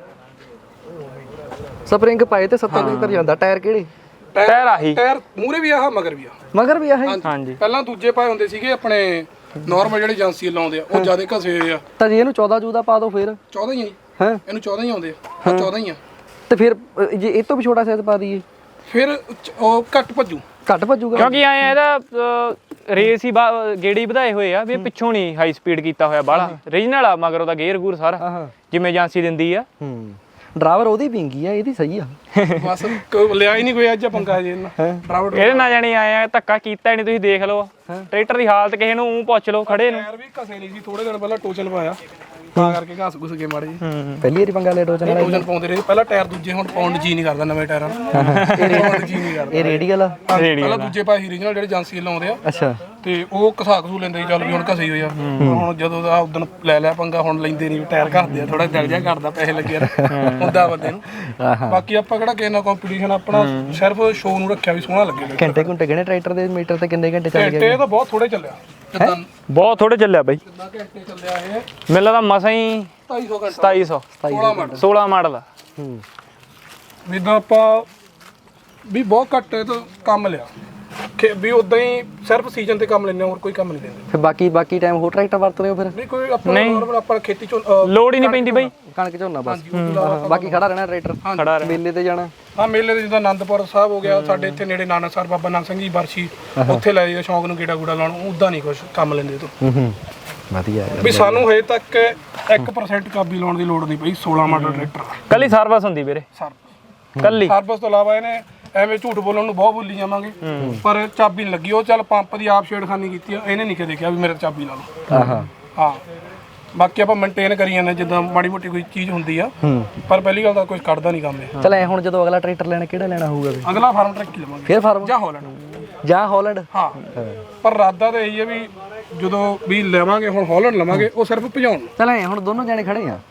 ਸਪਰਿੰਗ ਪਾਏ ਤੇ ਸੱਤਰ ਪਝੱਤਰ ਜਾਂਦਾ ਟਾਇਰ ਕਿਹੜੇ
ਟਾਇਰ ਆਹੀ
ਟਾਇਰ ਮੂਰੇ ਵੀ ਆਹ ਮਗਰ ਵੀ ਆ
ਮਗਰ ਵੀ ਆਹ
ਹਾਂਜੀ
ਪਹਿਲਾਂ ਦੂਜੇ ਪਾਏ ਹੁੰਦੇ ਸੀਗੇ ਆਪਣੇ ਨਾਰਮਲ ਜਿਹੜੇ ਏਜੰਸੀ ਲਾਉਂਦੇ ਆ ਉਹ ਜਿਆਦਾ ਘਸੇ ਹੋਏ ਆ
ਤਾਂ ਜੇ ਇਹਨੂੰ ਚੌਦਾਂ ਚੌਦਾਂ ਪਾ ਦੋ ਫਿਰ
ਚੌਦਾਂ ਹੀ ਆ ਜੀ।
ਹੈ
ਇਹਨੂੰ ਚੌਦਾਂ ਹੀ ਆਉਂਦੇ ਆ ਆਹ ਚੌਦਾਂ ਹੀ ਆ
ਤੇ ਫਿਰ ਅ, ਜੇ ਇਹ ਤੋਂ ਵੀ ਛੋਟਾ ਸਾਈਜ਼ ਪਾ ਦਈਏ
ਫਿਰ ਚ- ਉਹ ਘੱਟ ਭੱਜੂ
ਘੱਟ ਭੱਜੂਗਾ
ਕਿਉਂਕਿ ਆਏ ਆ ਇਹਦਾ ਰੇਸ ਹੀ ਬਾ- ਗੇੜੀ ਵਧਾਏ ਹੋਏ ਆ ਵੀ ਇਹ ਪਿੱਛੋਂ ਨਹੀਂ ਹਾਈ ਸਪੀਡ ਕੀਤਾ ਹੋਇਆ ਬਾਹਲਾ ਰੀਜਨਲ ਆ ਮਗਰ ਉਹਦਾ ਗੇਅਰ ਗੂਰ ਸਾਰਾ
ਹਾਂ
ਜਿਵੇਂ ਏਜੰਸੀ ਦਿੰਦੀ ਆ
ਹੂੰ ਡਰਾਈਵਰ ਉਹਦੀ ਪਿੰਗੀ ਆ ਇਹਦੀ ਸਹੀ ਆ
ਬਸ ਕੋਈ ਲਿਆ ਹੀ ਨਹੀਂ ਕੋਈ ਅੱਜ ਪੰਗਾ ਜੇ ਇਹਨਾਂ ਡਰਾਈਵਰ
ਇਹਦੇ ਨਾਲ ਜਾਣੀ ਆਏ ਆ ਧੱਕਾ ਕੀਤਾ ਹੀ ਨਹੀਂ ਤੁਸੀਂ ਦੇਖ ਲਓ ਟਰੈਕਟਰ ਦੀ ਹਾਲਤ ਕਿਸੇ ਨੂੰ ਊਂ ਪੁੱਛ ਲਓ ਖੜੇ ਨੂੰ
ਟਾਇਰ ਵੀ ਘਸੇ ਨਹੀਂ ਸੀ ਥੋੜੇ ਦਿਨ ਪਹਿਲਾਂ ਟੋਚਨ ਪਾਇਆ ਤਾਂ ਕਰਕੇ ਘਾਸ ਘੁਸ ਕੇ ਮਾੜੇ ਜੀ
ਪਹਿਲੀ ਵਾਰੀ ਪੰਗਾ ਲੈ ਟੋਚਨ ਵਾਲਾ
ਟੋਜਨ ਪਾਉਂਦੇ ਰਹੇ ਪਹਿਲਾਂ ਟਾਇਰ ਦੂਜੇ ਹੁਣ ਪਾਉਣ ਜੀ ਨਹੀਂ ਕਰਦਾ ਨਵੇਂ ਟਾਇਰਾਂ ਨੂੰ ਪਾਉਣ ਜੀ ਨਹੀਂ ਕਰਦਾ
ਇਹ ਰੇਡੀਅਲ ਆ
ਪਹਿਲਾਂ ਦੂਜੇ ਪਾਸੇ ਰੀਜਨਲ ਜਿਹੜੇ ਏਜੰਸੀ ਲਾਉਂਦੇ ਆ
ਅੱਛਾ
ਤੇ ਉਹ ਘਸਾ ਘਸੂ ਲੈਂਦੇ ਸੀ, ਚੱਲ ਵੀ ਹੁਣ ਘਸੇ ਹੀ ਹੋਇਆ ਹੁਣ ਜਦੋਂ ਦਾ ਉਦੋਂ ਲੈ ਲਿਆ ਪੰਗਾ ਹੁਣ ਲੈਂਦੇ ਨਹੀਂ ਟਾਇਰ ਘਸਦੇ ਆ ਥੋੜਾ ਦਿਲ ਜਿਹਾ ਕਰਦਾ ਪੈਸੇ ਲੱਗੇ ਯਾਰ ਹੁੰਦਾ ਬੰਦੇ ਨੂੰ। ਬਾਕੀ ਆਪਾਂ ਕਿਹੜਾ ਕਿਸੇ ਨਾਲ ਕੰਪੀਟੀਸ਼ਨ ਆਪਣਾ ਸਿਰਫ ਸ਼ੋਅ ਨੂੰ ਰੱਖਿਆ ਵੀ ਸੋਹਣਾ ਲੱਗੇ
ਘੰਟੇ ਘੰਟੇ ਕਿਹਨੇ ਟਰੈਕਟਰ ਦੇ ਮੀਟਰ ਤੇ ਕਿੰਨੇ ਘੰਟੇ ਚੱਲ
ਘੰਟੇ ਤਾਂ ਬਹੁਤ ਥੋੜੇ ਚੱਲਿਆ ਜਿੱਦਾਂ
ਬਹੁਤ ਥੋੜੇ ਚੱਲਿਆ ਬਾਈ,
ਜਿੱਦਾਂ ਘੰਟੇ ਚੱਲਿਆ ਇਹ
ਮੈਨੂੰ ਲੱਗਦਾ ਮਸਾਂ ਹੀ
ਢਾਈ ਸੌ ਘੰਟਾ
ਸਤਾਈ ਸੌ
ਸੋਲਾਂ ਮਿੰਟ
ਸੋਲਾਂ ਮਾਡਲ ਆ।
ਹੂੰ
ਜਿੱਦਾਂ ਆਪਾਂ ਵੀ ਬਹੁਤ ਘੱਟ ਇਹ ਤੋਂ ਕੰਮ ਲਿਆ ਕਿ ਵੀ ਉਦਾਂ ਹੀ ਸਿਰਫ ਸੀਜ਼ਨ ਤੇ ਕੰਮ ਲੈਂਦੇ ਹੋਰ ਕੋਈ ਕੰਮ ਨਹੀਂ ਲੈਂਦੇ
ਫਿਰ ਬਾਕੀ ਬਾਕੀ ਟਾਈਮ ਹੋਰ ਟਰੈਕਟਰ ਵਰਤਦੇ ਹੋ ਫਿਰ
ਨਹੀਂ ਕੋਈ ਆਪਣਾ normal ਆਪਾਂ ਖੇਤੀ ਚੋਂ ਅਹ,
ਲੋੜ ਹੀ ਨਹੀਂ ਪੈਂਦੀ ਬਾਈ,
ਕਣਕ ਝੋਨਾ ਬਸ
ਹਾਂਜੀ, ਉਹ ਤੋਂ ਇਲਾਵਾ
ਬਾਕੀ ਖੜਾ ਰਹਿਣਾ ਟਰੈਕਟਰ
ਖੜਾ ਰਹਿ
ਮੇਲੇ ਤੇ ਜਾਣਾ
ਹਾਂ ਮੇਲੇ ਦੇ ਜਿੱਦਾਂ ਆਨੰਦਪੁਰ ਸਾਹਿਬ ਹੋ ਗਿਆ ਸਾਡੇ ਇੱਥੇ ਨੇੜੇ ਨਾਨਕਸਰ ਬਾਬਾ ਨਾਨਕ ਸਿੰਘ ਜੀ ਬਰਸ਼ੀ ਉੱਥੇ ਲੈ ਜਾਈਦਾ ਸ਼ੌਂਕ ਨੂੰ ਗੇੜਾ ਗੂੜਾ ਲਾਉਣ ਉਦਾਂ ਨਹੀਂ ਕੁਝ ਕੰਮ ਲੈਂਦੇ ਤੋਂ
ਹੂੰ ਹੂੰ ਵਧੀਆ ਯਾਰ
ਵੀ ਸਾਨੂੰ ਹਜੇ ਤੱਕ ਇੱਕ ਪਰਸੈਂਟ ਕਾਬੀ ਲਾਉਣ ਦੀ ਲੋੜ ਨਹੀਂ ਪਈ ਸੋਲਾਂ ਮਾਡਲ ਟਰੈਕਟਰ
ਕੱਲੀ ਸਰਵਿਸ ਹੁੰਦੀ ਵੀਰੇ,
ਸਰ
ਕੱਲੀ
ਸਰਵਿਸ ਤੋਂ ਇਲਾਵਾ ਇਹਨੇ ਐਵੇਂ ਝੂਠ ਬੋਲਣ ਨੂੰ ਬਹੁਤ ਬੋਲੀ ਜਾਵਾਂਗੇ ਪਰ ਚਾਬੀ ਨਹੀਂ ਲੱਗੀ ਉਹ ਚੱਲ ਪੰਪ ਦੀ ਆਪ ਛੇੜਖਾਨੀ ਕੀਤੀ ਆ ਇਹਨੇ ਨਹੀਂ ਕਦੇ ਕਿਹਾ ਵੀ ਮੇਰੇ ਚਾਬੀ ਲਾ ਲਓ
ਆਹਾ
ਹਾਂ ਬਾਕੀ ਆਪਾਂ ਮੇਨਟੇਨ ਕਰੀ ਜਾਂਦੇ ਜਿੱਦਾਂ ਮਾੜੀ ਮੋਟੀ ਕੋਈ ਚੀਜ਼ ਹੁੰਦੀ ਆ
ਹੂੰ
ਪਰ ਪਹਿਲੀ ਗੱਲ ਤਾਂ ਕੁਝ ਕੱਢਦਾ ਨਹੀਂ ਕੰਮ ਇਹ
ਚਲ ਐ ਹੁਣ ਜਦੋਂ ਅਗਲਾ ਟਰੈਕਟਰ ਲੈਣਾ ਕਿਹੜਾ ਲੈਣਾ ਹੋਊਗਾ ਵੀ
ਅਗਲਾ ਫਾਰਮ ਟਰੱਕ ਹੀ ਲਵਾਂਗੇ
ਫਿਰ ਫਾਰਮ
ਜਾਂ ਹਾਲੈਂਡ
ਜਾਂ ਹਾਲੈਂਡ
ਹਾਂ ਪਰ ਰਾਦਾ ਤਾਂ ਇਹੀ ਹੈ ਵੀ ਜਦੋਂ ਵੀ ਲਵਾਂਗੇ ਹੁਣ ਹਾਲੈਂਡ ਲਵਾਂਗੇ ਉਹ ਸਿਰਫ ਭਜਾਉਣ ਨੂੰ।
ਚਲ ਐ ਹੁਣ ਦੋਨੋਂ ਜਾਣੇ ਖੜੇ ਆ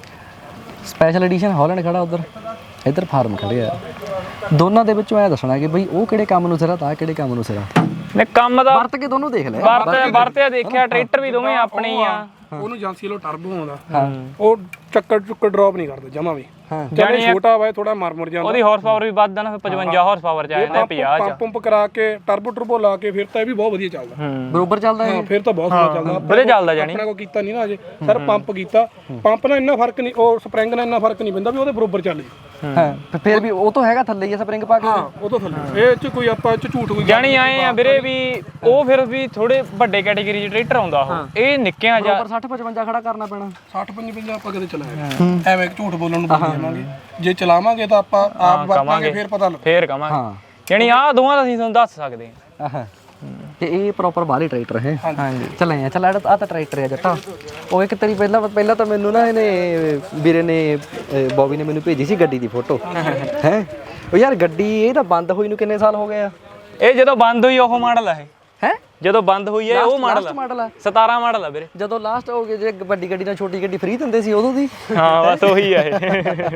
ਸਪੈਸ਼ਲ ਐਡੀਸ਼ਨ ਹਾਲੈਂਡ ਖੜਾ ਉਧਰ ਇੱਧਰ ਫਾਰਮ ਖੜੇ ਆ ਦੋਨਾਂ ਦੇ ਵਿੱਚੋਂ ਐ ਦੱਸਣਾ ਕਿ ਬਈ ਉਹ ਕਿਹੜੇ ਕੰਮ ਨੂੰ ਸਿਰਾ ਤਾਂ ਕਿਹੜੇ ਕੰਮ ਨੂੰ ਸਿਰਾ
ਨੇ ਕੰਮ ਦਾ
ਵਰਤ ਕੇ ਦੋਨੋਂ ਦੇਖ ਲੈ
ਵਰਤਿਆ ਵਰਤਿਆ ਦੇਖਿਆ ਟਰੈਕਟਰ ਵੀ ਦੋਵੇਂ ਆਪਣੇ ਹੀ ਆ।
ਉਹਨੂੰ ਏਜੰਸੀ ਲੋ ਟਰਬੋ ਆਉਂਦਾ ਉਹ ਚੱਕਰ ਚੁੱਕਰ ਡ੍ਰੌਪ ਨਹੀਂ ਕਰਦੇ ਜਮਾ ਵੀ
ਹਾਂ
ਜਾਨੀ ਛੋਟਾ ਵਾ ਥੋੜਾ ਮਰ ਮਰ ਜਾਂਦਾ
ਉਹਦੀ ਹਾਰਸ ਪਾਵਰ ਵੀ ਵੱਧ ਆ ਨਾ, ਪਚਵੰਜਾ ਹਾਰਸ ਪਾਵਰ ਚ ਆ ਜਾਂਦਾ ਪੰਜਾਹ ਚ।
ਪੰਪ ਪੰਪ ਕਰਾ ਕੇ ਟਰਬੋ ਟਰਬੋ ਲਾ ਕੇ ਫਿਰ ਤਾਂ ਇਹ ਵੀ ਬਹੁਤ ਵਧੀਆ ਚੱਲਦਾ
ਬਰੋਬਰ ਚੱਲਦਾ
ਹਾਂ ਫਿਰ ਤਾਂ ਬਹੁਤ ਵਧੀਆ ਚੱਲਦਾ
ਵਧੀਆ ਚੱਲਦਾ ਜਾਣੀ
ਆਪਣੇ ਕੋ ਕੀਤਾ ਨਹੀਂ ਨਾ ਅਜੇ ਸਰ ਪੰਪ ਕੀਤਾ ਪੰਪ ਨਾਲ ਇੰਨਾ ਫਰਕ ਨਹੀਂ ਉਹ ਸਪਰਿੰਗ ਨਾਲ ਇੰਨਾ ਫਰਕ ਨਹੀਂ ਪੈਂਦਾ ਵੀ ਉਹਦੇ ਬਰੋਬਰ ਚੱਲ ਜੀ
ਹਾਂ ਤੇ ਫਿਰ ਵੀ ਉਹ ਤਾਂ ਹੈਗਾ ਥੱਲੇ ਹੀ ਸਪਰਿੰਗ ਪਾ ਕੇ
ਹਾਂ ਉਹ ਤੋਂ ਥੱਲੇ ਇਹ ਚ ਕੋਈ ਆਪਾਂ ਚ ਝੂਠ ਕੋਈ
ਜਾਣੀ ਆਏ ਆ ਵੀਰੇ ਵੀ ਉਹ ਫਿਰ ਵੀ ਥੋੜੇ ਵੱਡੇ ਕੈਟਾਗਰੀ ਚ ਟਰੈਕਟਰ ਆਉਂਦਾ ਉਹ ਇਹ ਨਿੱਕਿਆਂ ਜਾ
ਪਰ ਸੱਠ ਪਚਵੰਜਾ ਖੜਾ ਕਰਨਾ ਪੈਣਾ
ਸੱਠ ਪੰਜਵੰਜਾ ਆਪਾਂ ਕਦੇ ਚਲਾਇਆ ਐਵੇਂ ਝੂਠ ਬੋਲਣ ਨੂੰ ਬੋਲ ਜਾਵਾਂਗੇ ਜੇ ਚਲਾਵਾਂਗੇ ਤਾਂ ਆਪਾਂ ਆਪ ਵਰਤਾਂਗੇ ਫਿਰ ਪਤਾ ਲੱਗ
ਫੇਰ ਕਵਾਂਗੇ
ਹਾਂ
ਜਾਣੀ ਆਹ ਦੋਵਾਂ ਦਾ ਅਸੀਂ ਤੁਹਾਨੂੰ ਦੱਸ ਸਕਦੇ ਹਾਂ।
ਆਹ ਤੇ ਇਹ ਪ੍ਰੋਪਰ ਬਾਹਲੀ ਟਰੈਕਟਰ ਹੈ
ਹਾਂਜੀ
ਚੱਲ ਆ ਚੱਲ ਆ ਤਾਂ ਟਰੈਕਟਰ ਹੈ ਜੱਟਾ ਉਹ ਇੱਕ ਤੇਰੀ ਪਹਿਲਾਂ ਪਹਿਲਾਂ ਤਾਂ ਮੈਨੂੰ ਨਾ ਇਹਨੇ ਵੀਰੇ ਨੇ ਅਹ ਬੌਬੀ ਨੇ ਮੈਨੂੰ ਭੇਜੀ ਸੀ ਗੱਡੀ ਦੀ ਫੋਟੋ ਹੈ ਉਹ ਯਾਰ ਗੱਡੀ ਇਹ ਤਾਂ ਬੰਦ ਹੋਈ ਨੂੰ ਕਿੰਨੇ ਸਾਲ ਹੋ ਗਏ ਆ
ਇਹ ਜਦੋਂ ਬੰਦ ਹੋਈ ਉਹ ਮਾਡਲ ਆ ਇਹ
ਹੈ
ਜਦੋਂ ਬੰਦ ਹੋਈ ਹੈ ਉਹ ਮਾਡਲ
ਲਾਸਟ ਮਾਡਲ ਆ
ਸਤਾਰਾਂ ਮਾਡਲ ਆ ਵੀਰੇ।
ਜਦੋਂ ਲਾਸਟ ਹੋ ਗਏ ਜੇ ਵੱਡੀ ਗੱਡੀ ਨਾਲ ਛੋਟੀ ਗੱਡੀ ਫ੍ਰੀ ਦਿੰਦੇ ਸੀ ਉਦੋਂ ਦੀ
ਹਾਂ ਬਸ ਉਹੀ ਆ ਇਹ।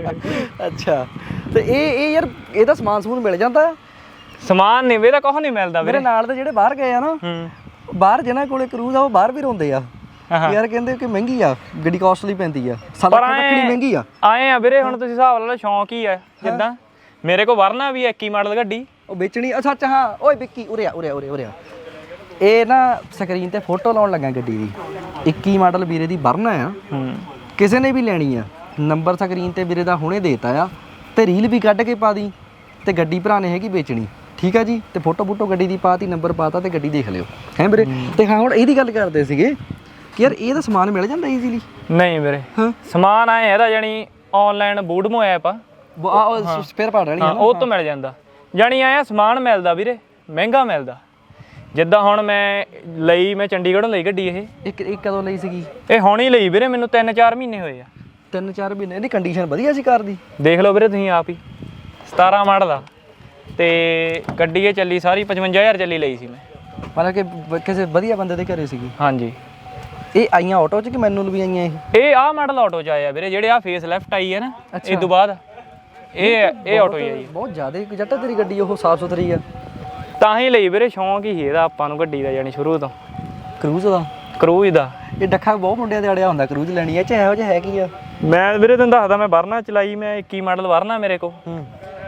ਅੱਛਾ ਤੇ ਇਹ ਇਹ ਯਾਰ ਇਹਦਾ ਸਮਾਨ ਸਮੂਨ ਮਿਲ ਜਾਂਦਾ
ਸਮਾਨ ਨਹੀਂ ਵੀਰੇ ਕੁਛ ਨਹੀਂ ਮਿਲਦਾ ਵੀਰੇ।
ਮੇਰੇ ਨਾਲ ਦੇ ਜਿਹੜੇ ਬਾਹਰ ਗਏ ਆ ਨਾ
ਹੂੰ
ਬਾਹਰ ਜਿਹਨਾਂ ਕੋਲੇ ਕਰੂਜ਼ ਆ ਉਹ ਬਾਹਰ ਵੀ ਰੋਂਦੇ ਆ ਯਾਰ ਕਹਿੰਦੇ ਕਿ ਮਹਿੰਗੀ ਆ ਗੱਡੀ ਕਾਸਟਲੀ ਪੈਂਦੀ ਆ ਸਾਡਾ ਰੱਖਣੀ ਮਹਿੰਗੀ ਆ
ਆਏ ਆ ਵੀਰੇ ਹੁਣ ਤੁਸੀਂ ਹਿਸਾਬ ਲਾ ਲਓ ਸ਼ੌਂਕ ਹੀ ਆ ਜਿੱਦਾਂ ਮੇਰੇ ਕੋਲ ਵਰਨਾ ਵੀ ਇੱਕੀ ਮਾਡਲ ਗੱਡੀ
ਉਹ ਵੇਚਣੀ ਅੱਛਾ ਅੱਛਾ ਹਾਂ ਓਏ ਵਿੱਕੀ ਉਰੇ ਆ ਉਰੇ ਆ ਉਰੇ ਉਰੇ ਆ ਇਹ ਨਾ ਸਕਰੀਨ ਤੇ ਫੋਟੋ ਲਾਉਣ ਲੱਗਾ ਗੱਡੀ ਦੀ ਇੱਕੀ ਮਾਡਲ ਵੀਰੇ ਦੀ ਵਰਨਾ ਆ
ਹੂੰ
ਕਿਸੇ ਨੇ ਵੀ ਲੈਣੀ ਆ ਨੰਬਰ ਸਕਰੀਨ ਤੇ ਵੀਰੇ ਦਾ ਹੁਣੇ ਦੇਤਾ ਆ ਤੇ ਰੀਲ ਵੀ ਕੱਢ ਕੇ ਪਾ ਦੀ ਤੇ ਗੱਡੀ ਭਰਾ ਨੇ ਹੈਗੀ ਵੇਚਣੀ ਠੀਕ ਆ ਜੀ ਤੇ ਫੋਟੋ ਫੋਟੋ ਗੱਡੀ ਦੀ ਪਾਤੀ ਨੰਬਰ ਪਾਤਾ ਤੇ ਗੱਡੀ ਦੇਖ ਲਿਓ ਹੈ ਵੀਰੇ ਤੇ ਹਾਂ ਹੁਣ ਇਹਦੀ ਗੱਲ ਕਰਦੇ ਸੀਗੇ ਕਿ ਯਾਰ ਇਹਦਾ ਸਮਾਨ ਮਿਲ ਜਾਂਦਾ ਈਜ਼ੀਲੀ
ਨਹੀਂ ਵੀਰੇ
ਹਾਂ
ਸਮਾਨ ਆਏ ਇਹਦਾ ਜਾਨੀ ਆਨਲਾਈਨ ਬੂਡਮੋ ਐਪ ਆ
ਉਹ ਸਪੇਅਰ ਪਾਰਟ ਵਾਲੀ
ਹਾਂ ਉਹ ਤੋਂ ਮਿਲ ਜਾਂਦਾ ਜਾਨੀ ਆਇਆ ਸਮਾਨ ਮਿਲਦਾ ਵੀਰੇ ਮਹਿੰਗਾ ਮਿਲਦਾ ਜਿੱਦਾਂ ਹੁਣ ਮੈਂ ਲਈ ਮੈਂ ਚੰਡੀਗੜ੍ਹੋਂ ਲਈ ਗੱਡੀ ਇਹ
ਇੱਕ ਇੱਕ ਕਦੋਂ ਲਈ ਸੀਗੀ
ਇਹ ਹੁਣ ਹੀ ਲਈ ਵੀਰੇ ਮੈਨੂੰ ਤਿੰਨ ਚਾਰ ਮਹੀਨੇ ਹੋਏ ਆ।
ਤਿੰਨ ਚਾਰ ਮਹੀਨੇ ਇਹਦੀ ਕੰਡੀਸ਼ਨ ਵਧੀਆ ਸੀ ਕਾਰ ਦੀ
ਦੇਖ ਲਓ ਵੀਰੇ ਤੁਸੀਂ ਆਪ ਹੀ ਸਤਾਰਾਂ ਮਾਡਲ ਆ ਤੇ ਗੱਡੀ ਇਹ ਚੱਲੀ ਸਾਰੀ ਪਚਵੰਜਾ ਹਜ਼ਾਰ ਚੱਲੀ ਲਈ ਸੀ ਮੈਂ
ਮਤਲਬ ਕਿ ਬ- ਕਿਸੇ ਵਧੀਆ ਬੰਦੇ ਦੇ ਘਰੇ ਸੀਗੀ
ਹਾਂਜੀ।
ਇਹ ਆਈਆਂ ਆਟੋ 'ਚ ਕਿ ਮੈਨੂਅਲ ਵੀ ਆਈਆਂ ਇਹ
ਇਹ ਆਹ ਮਾਡਲ ਆਟੋ ਚ ਆਇਆ ਵੀਰੇ ਜਿਹੜੇ ਆ ਫੇਸ ਲੈਫਟ ਆਈ ਹੈ ਨਾ ਇਹ ਤੋਂ ਬਾਅਦ ਇਹ ਇਹ ਆਟੋ ਹੀ ਆਈ
ਬਹੁਤ ਜ਼ਿਆਦਾ ਜੱਟਾ ਤੇਰੀ ਗੱਡੀ ਉਹ ਸਾਫ ਸੁਥਰੀ ਆ
ਤਾਂ ਹੀ ਲਈ ਵੀਰੇ ਸ਼ੌਂਕ ਹੀ ਇਹਦਾ ਆਪਾਂ ਨੂੰ ਗੱਡੀ ਦਾ ਜਾਨੀ ਸ਼ੁਰੂ ਤੋਂ
ਕਰੂਜ਼ ਦਾ
ਕਰੂਜ਼ ਦਾ
ਇਹ ਡੱਖਾ ਬਹੁਤ ਮੁੰਡਿਆਂ ਦੇ ਅੜਿਆ ਹੁੰਦਾ ਕਰੂਜ਼ ਲੈਣੀ ਐ ਚਾਹੇ ਇਹੋ ਜਿਹਾ ਹੈ ਕੀ ਆ
ਮੈਂ ਵੀਰੇ ਤੈਨੂੰ ਦੱਸਦਾ ਮੈਂ ਵਰਨਾ ਚਲਾਈ ਮੈਂ ਇੱਕੀ ਮਾਡਲ ਵਰਨਾ ਮੇਰੇ ਕੋਲ
ਹੂੰ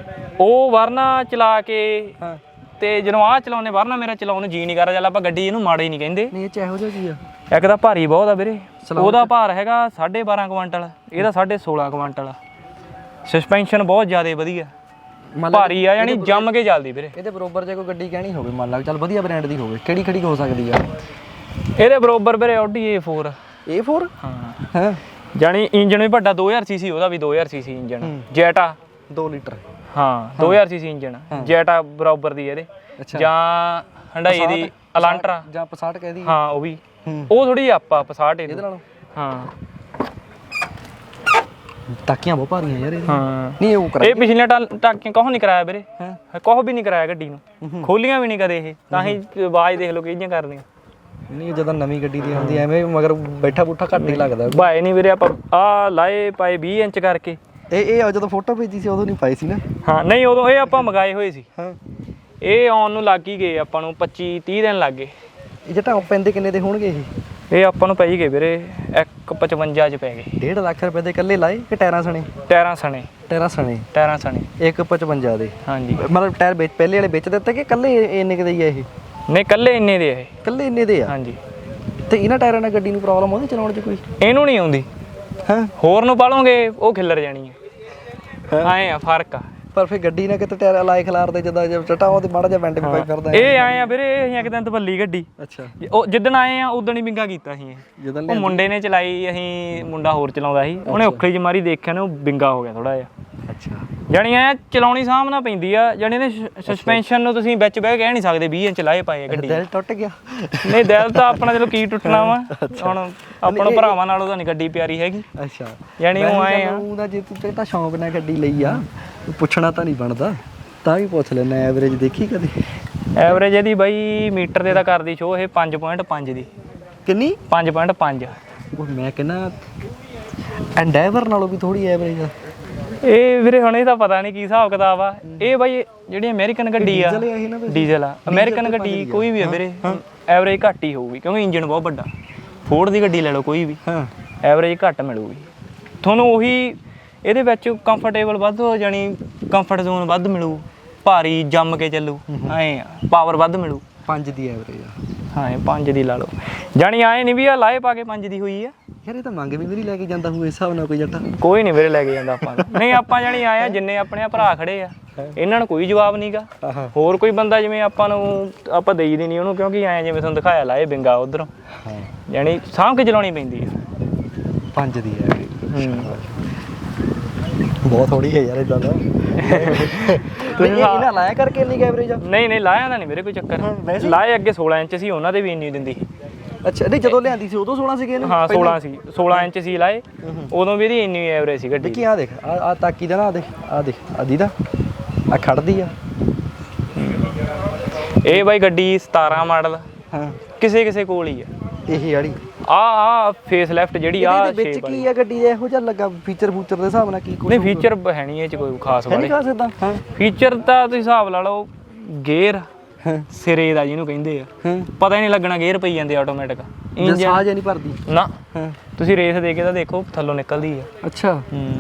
ਉਹ ਵਰਨਾ ਚਲਾ ਕੇ
ਹਾਂ
ਤੇ ਜਦੋਂ ਆਹ ਚਲਾਉਨੇ ਵਰਨਾ ਮੇਰਾ ਚਲਾਉਣ ਨੂੰ ਜੀ ਨਹੀਂ ਕਰਦਾ ਚੱਲ ਆਪਾਂ ਗੱਡੀ ਇਹਨੂੰ ਮਾੜੀ ਨਹੀਂ ਕਹਿੰਦੇ
ਨਹੀਂ ਇਹ ਚ ਇਹੋ ਜਿਹਾ ਕੀ ਆ
ਇੱਕ ਤਾਂ ਭਾਰੀ ਬਹੁਤ ਆ ਵੀਰੇ ਉਹਦਾ ਭਾਰ ਹੈਗਾ ਸਾਢੇ ਬਾਰਾਂ ਕੁਆਂਟਲ ਇਹਦਾ ਸਾਢੇ ਸੋਲਾਂ ਕੁਆਂਟਲ ਸਸਪੈਂਸ਼ਨ ਬਹੁਤ ਜ਼ਿਆਦਾ ਵਧੀਆ ਭਾਰੀ ਆ ਯਾਨੀ ਜੰਮ ਕੇ ਚੱਲਦੀ ਵੀਰੇ
ਇਹਦੇ ਬਰੋਬਰ ਜੇ ਕੋਈ ਗੱਡੀ ਕਹਿਣੀ ਹੋਵੇ ਮੰਨ ਲਾ ਚੱਲ ਵਧੀਆ ਬ੍ਰਾਂਡ ਦੀ ਹੋਵੇ ਕਿਹੜੀ ਖੜੀ ਹੋ ਸਕਦੀ ਆ
ਇਹਦੇ ਬਰੋਬਰ ਵੀਰੇ Audi A four
A four
ਹਾਂ
ਹਾਂ
ਜਾਨੀ ਇੰਜਨ ਵੀ ਵੱਡਾ ਦੋ ਹਜ਼ਾਰ ਸੀਸੀ ਉਹਦਾ ਵੀ ਦੋ ਹਜ਼ਾਰ ਸੀਸੀ ਇੰਜਨ ਜੈਟਾ
ਦੋ ਲੀਟਰ
ਹਾਂ ਦੋ ਹਜ਼ਾਰ ਸੀਸੀ ਇੰਜਨ ਜੈਟਾ ਬਰਾਬਰ ਦੀ ਇਹਦੇ ਜਾਂ ਹੰਡਾਈ ਦੀ ਅਲਾਂਟਰਾ
ਜਾਂ ਪਸਾਟ ਕਹਿਦੀ
ਹਾਂ ਉਹ ਵੀ
ਹੂੰ
ਉਹ ਥੋੜੀ ਆਪਾਂ ਪਸਾਟ
ਇਹਦੇ
ਇਹਦੇ
ਨਾਲੋਂ
ਹਾਂ
ਟਾਕੀਆਂ ਬਹੁਤ ਭਾਰੀਆਂ ਯਾਰ ਇਹ
ਹਾਂ
ਨਹੀਂ ਉਹ ਕਰਾ
ਇਹ ਪਿਛਲੀਆਂ ਟਾ- ਟਾਕੀਆਂ ਕੋਹ ਨਹੀਂ ਕਰਾਇਆ ਵੀਰੇ ਕੋਹ ਵੀ ਨਹੀਂ ਕਰਾਇਆ ਗੱਡੀ ਨੂੰ ਖੋਲੀਆਂ ਵੀ ਨਹੀਂ ਕਦੇ ਇਹ ਤਾਂ ਹੀ ਆਵਾਜ਼ ਦੇਖ ਲਓ ਕਿਹਦੀਆਂ ਕਰਦੀਆਂ
ਨਹੀਂ ਜਦੋਂ ਨਵੀਂ ਗੱਡੀ ਦੀ ਆਉਂਦੀ ਐਵੇਂ ਮਗਰ ਬੈਠਾ ਬੂਠਾ ਘੱਟ ਹੀ ਲੱਗਦਾ
ਭਾਏ ਨਹੀਂ ਵੀਰੇ ਆਪਾਂ ਆ ਲਾਏ ਪਾਏ ਵੀਹ ਇੰਚ ਕਰਕੇ
ਇਹ ਇਹ ਜਦੋਂ ਫੋਟੋ ਭੇਜੀ ਸੀ ਉਦੋਂ ਨਹੀਂ ਪਾਈ ਸੀ ਨਾ
ਹਾਂ ਨਹੀਂ ਉਦੋਂ ਇਹ ਆਪਾਂ ਮੰਗਾਏ ਹੋਏ ਸੀ
ਹਾਂ
ਇਹ ਆਉਣ ਨੂੰ ਲੱਗ ਹੀ ਗਏ ਆਪਾਂ ਨੂੰ ਪੱਚੀ ਤੀਹ ਦਿਨ ਲੱਗ ਗਏ
ਇਹ ਜਟਾ ਪੈਂਦੇ ਕਿੰਨੇ ਦੇ ਹੋਣਗੇ ਇਹ
ਇਹ ਆਪਾਂ ਨੂੰ ਪੈ ਹੀ ਗਏ ਵੀਰੇ ਇੱਕ ਪਚਵੰਜਾ ਚ ਪੈ ਗਏ
ਡੇਢ ਲੱਖ ਰੁਪਏ ਦੇ ਇਕੱਲੇ ਲਾਏ ਕਿ ਟਾਇਰਾਂ ਸਣੇ
ਟਾਇਰਾਂ ਸਣੇ
ਟਾਇਰਾਂ ਸਣੇ
ਟਾਇਰਾਂ ਸਣੇ
ਇੱਕ ਪਚਵੰਜਾ ਦੇ
ਹਾਂਜੀ
ਮਤਲਬ ਟਾਇਰ ਵਿੱਚ ਪਹਿਲੇ ਵਾਲੇ ਵਿੱਚ ਦਿੱਤੇ ਕਿ ਇਕੱਲੇ ਇੰਨੇ ਕੁ ਦੇ ਹੀ ਆ ਇਹ
ਨਹੀਂ ਕੱਲੇ ਇੰਨੇ ਦੇ ਆ ਇਹ
ਇਕੱਲੇ ਇੰਨੇ ਦੇ ਆ
ਹਾਂਜੀ
ਤੇ ਇਹਨਾਂ ਟਾਇਰਾਂ ਨਾਲ ਗੱਡੀ ਨੂੰ ਪ੍ਰੋਬਲਮ ਆਉਂਦੀ ਚਲਾਉਣ 'ਚ ਕੋਈ
ਇਹਨੂੰ ਨਹੀਂ ਆਉਂਦੀ
ਹਾਂ
ਹੋਰ ਨੂੰ ਪਾਲੋਗੇ ਉਹ ਖਿੱਲਰ ਜਾਣੀ ਹੈ ਆਏ ਆ ਫਰਕ ਆ
ਪਰ ਫਿਰ ਗੱਡੀ ਨਾਲ ਕਿਤੇ ਟਾਇਰ ਲਾਏ ਖਿਲਾਰਦੇ ਜਦੋਂ ਜਦ ਚਟਾ ਉਹ ਤੇ ਮਾੜਾ ਜਿਹਾ ਵੈਂਟ ਵੀ ਪਾਈ ਫਿਰਦਾ
ਇਹ ਆਏ ਆ ਵੀਰੇ ਇਹ ਅਸੀਂ ਇੱਕ ਦਿਨ ਤਬੱਲੀ ਗੱਡੀ
ਅੱਛਾ
ਉਹ ਜਿੱਦਣ ਆਏ ਆ ਉਦਣ ਹੀ ਬਿੰਗਾ ਕੀਤਾ ਸੀ ਇਹ
ਜਦੋਂ
ਉਹ ਮੁੰਡੇ ਨੇ ਚਲਾਈ ਅਸੀਂ ਮੁੰਡਾ ਹੋਰ ਚਲਾਉਂਦਾ ਸੀ ਉਹਨੇ ਔਖਲੀ ਜਿਹੀ ਮਾਰੀ ਦੇਖਿਆ ਨਾ ਉਹ ਬਿੰਗਾ ਹੋ ਗਿਆ ਥੋੜਾ ਜਿਹਾ
ਅੱਛਾ
ਜਾਣੀ ਐ ਚਲਾਉਣੀ ਸਾਹਮਣਾ ਪੈਂਦੀ ਆ ਜਾਣੀ ਨੇ ਸਸਪੈਂਸ਼ਨ ਨੂੰ ਤੁਸੀਂ ਵਿੱਚ ਬਹਿ ਕੇ ਕਹਿ ਨਹੀਂ ਸਕਦੇ ਵੀਹ ਇੰਚ ਲਾਏ ਪਾਏ ਆ ਗੱਡੀ
ਦਿਲ ਟੁੱਟ ਗਿਆ
ਨਹੀਂ ਦਿਲ ਤਾਂ ਆਪਣਾ ਚਲੋ ਕੀ ਟੁੱਟਣਾ ਵਾ ਹੁਣ ਆਪਾਂ ਨੂੰ ਭਰਾਵਾਂ ਨਾਲੋਂ ਤਾਂ ਨਹੀਂ ਗੱਡੀ ਪਿਆਰੀ ਹੈਗੀ
ਅੱਛਾ
ਜਾਣੀ ਉਹ ਆਏ ਆ
ਉਹਦਾ ਜੇ ਤੂੰ ਤਾਂ ਸ਼ੌਂਕ ਨਾਲ ਗੱਡੀ ਲਈ ਆ ਪੁੱਛਣਾ ਤਾਂ ਨਹੀਂ ਬਣਦਾ ਤਾਂ ਵੀ ਪੁੱਛ ਲੈਣਾ ਐਵਰੇਜ ਦੇਖੀ ਕਦੇ
ਐਵਰੇਜ ਇਹਦੀ ਬਾਈ ਮੀਟਰ ਤੇ ਤਾਂ ਕਰਦੀ ਸ਼ੋ ਇਹ ਪੰਜ ਪੁਆਇੰਟ ਪੰਜ ਦੀ
ਕਿੰਨੀ
ਪੰਜ ਪੁਆਇੰਟ ਪੰਜ
ਉਹ ਮੈਂ ਕਹਿੰਦਾ ਐਂਡੈਵਰ ਨਾਲੋਂ ਵੀ ਥੋੜੀ ਐਵਰੇਜ ਆ
ਇਹ ਵੀਰੇ ਹੁਣ ਇਹ ਤਾਂ ਪਤਾ ਨਹੀਂ ਕੀ ਹਿਸਾਬ ਕਿਤਾਬ ਆ ਇਹ ਬਾਈ ਜਿਹੜੀ ਅਮਰੀਕਨ ਗੱਡੀ ਆ
ਡੀਜ਼ਲ ਇਹ ਨਾ ਵੈਸੇ?
ਡੀਜ਼ਲ ਆ ਅਮਰੀਕਨ ਗੱਡੀ ਕੋਈ ਵੀ ਆ ਵੀਰੇ ਐਵਰੇਜ ਘੱਟ ਹੀ ਹੋਊਗੀ ਕਿਉਂਕਿ ਇੰਜਨ ਬਹੁਤ ਵੱਡਾ ਫੋਰਡ ਦੀ ਗੱਡੀ ਲੈ ਲਓ ਕੋਈ ਵੀ
ਹਾਂ
ਐਵਰੇਜ ਘੱਟ ਮਿਲੂਗੀ ਤੁਹਾਨੂੰ ਉਹੀ ਇਹਦੇ ਵਿੱਚ ਕੰਫਰਟੇਬਲ ਵੱਧ ਹੋ ਜਾਣੀ ਕੰਫਰਟ ਜ਼ੋਨ ਵੱਧ ਮਿਲੂ ਭਾਰੀ ਜੰਮ ਕੇ ਚੱਲੂ ਐਂ ਆ ਪਾਵਰ ਵੱਧ ਮਿਲੂ
ਪੰਜ ਦੀ ਐਵਰੇਜ ਆ
ਹਾਂ ਪੰਜ ਦੀ ਲਾ ਲਓ ਜਾਣੀ ਆਏ ਨਹੀਂ ਵੀ ਆ ਲਾਏ ਪਾ ਕੇ ਪੰਜ ਦੀ ਹੋਈ ਆ
ਯਾਰ ਇਹ ਤਾਂ ਮੰਗ ਵੀ ਮੇਰੀ ਲੈ ਕੇ ਜਾਂਦਾ ਹੋਊ ਇਸ ਹਿਸਾਬ ਨਾਲ ਕੋਈ ਜੱਟਾ
ਕੋਈ ਨਹੀਂ ਵੀਰੇ ਲੈ ਕੇ ਜਾਂਦਾ ਆਪਾਂ ਨੂੰ। ਨਹੀਂ ਆਪਾਂ ਜਾਣੀ ਆਏ ਆ ਜਿੰਨੇ ਆਪਣੇ ਆ ਭਰਾ ਖੜੇ ਆ ਇਹਨਾਂ ਨੂੰ ਕੋਈ ਜਵਾਬ ਨਹੀਂਗਾ ਹੋਰ ਕੋਈ ਬੰਦਾ ਜਿਵੇਂ ਆਪਾਂ ਨੂੰ ਆਪਾਂ ਦੇਈ ਦੀ ਨਹੀਂ ਉਹਨੂੰ ਕਿਉਂਕਿ ਆਏ ਜਿਵੇਂ ਤੁਹਾਨੂੰ ਦਿਖਾਇਆ ਲਾਏ ਬਿੰਗਾ ਉਧਰੋਂ
ਹਾਂ
ਜਾਣੀ ਸਾਂਭ ਕੇ ਚਲਾਉਣੀ ਪੈਂਦੀ ਆ
ਪੰਜ ਦੀ ਐਵਰੇਜ
ਹੂੰ
ਬਹੁਤ ਥੋੜੀ ਹੈ ਯਾਰ ਇਦਾਂ ਦਾ ਤੁਸੀਂ ਇਹਨਾਂ ਲਾਇਆ ਕਰਕੇ ਇੰਨੀ ਐਵਰੇਜ ਆ
ਨਹੀਂ ਨਹੀਂ ਲਾਇਆ ਤਾਂ ਨਹੀਂ ਵੀਰੇ ਕੋਈ ਚੱਕਰ ਲਾਏ ਅੱਗੇ ਸੋਲਾਂ ਇੰਚ ਸੀ ਉਹਨਾਂ ਦੇ ਵੀ ਇੰਨੀ ਦਿੰਦੀ
ਅੱਛਾ ਨਹੀਂ ਜਦੋਂ ਲਿਆਂਦੀ ਸੀ ਉਦੋਂ ਸੋਲਾਂ ਸੀਗੇ ਇਹਨੂੰ
ਹਾਂ ਸੋਲਾਂ ਸੀ ਸੋਲਾਂ ਇੰਚ ਸੀ ਲਾਏ ਉਦੋਂ ਵੀ ਇਹਦੀ ਇੰਨੀ ਐਵਰੇਜ ਸੀ ਗੱਡੀ
ਕੀ ਆ ਦੇਖ ਆ ਆ ਤਾਕੀ ਦਾ ਨਾ ਆ ਦੇਖ ਆ ਦੇਖ ਆਦੀ ਦਾ ਆ ਖੜਦੀ ਆ
ਇਹ ਬਾਈ ਗੱਡੀ ਸਤਾਰਾਂ ਮਾਡਲ
ਹਾਂ
ਕਿਸੇ ਕਿਸੇ ਕੋਲ ਹੀ ਆ
ਇਹ ਵਾਲੀ
ਆ ਆ ਫੇਸ ਲੈਫਟ ਜਿਹੜੀ ਆ
ਇਹਦੇ ਵਿੱਚ ਕੀ ਆ ਗੱਡੀ ਦੇ ਇਹੋ ਜਿਹਾ ਲੱਗਾ ਫੀਚਰ ਫੂਚਰ ਦੇ ਹਿਸਾਬ ਨਾਲ ਕੀ ਕੁਝ
ਨਹੀਂ ਫੀਚਰ ਹੈ ਨਹੀਂ ਇਹ ਚ ਕੋਈ ਖਾਸ
ਨਹੀਂ
ਵਾਲੇ
ਕਾ ਸਕਦਾ ਹਾਂ
ਫੀਚਰ ਤਾਂ ਤੁਸੀਂ ਹਿਸਾਬ ਲਾ ਲਓ ਗੇਅਰ
ਹਾਂ
ਸਿਰੇ ਦਾ ਜਿਹਨੂੰ ਕਹਿੰਦੇ ਆ
ਹਾਂ
ਪਤਾ ਹੀ ਨਹੀਂ ਲੱਗਣਾ ਗੇਅਰ ਪਈ ਜਾਂਦੇ ਆਟੋਮੈਟਿਕ
ਜੇ ਸਾਹ ਜੇ ਨਹੀਂ ਭਰਦੀ
ਨਾ
ਹਾਂ
ਤੁਸੀਂ ਰੇਸ ਦੇ ਕੇ ਤਾਂ ਦੇਖੋ ਥੱਲੋਂ ਨਿਕਲਦੀ ਆ
ਅੱਛਾ
ਹੂੰ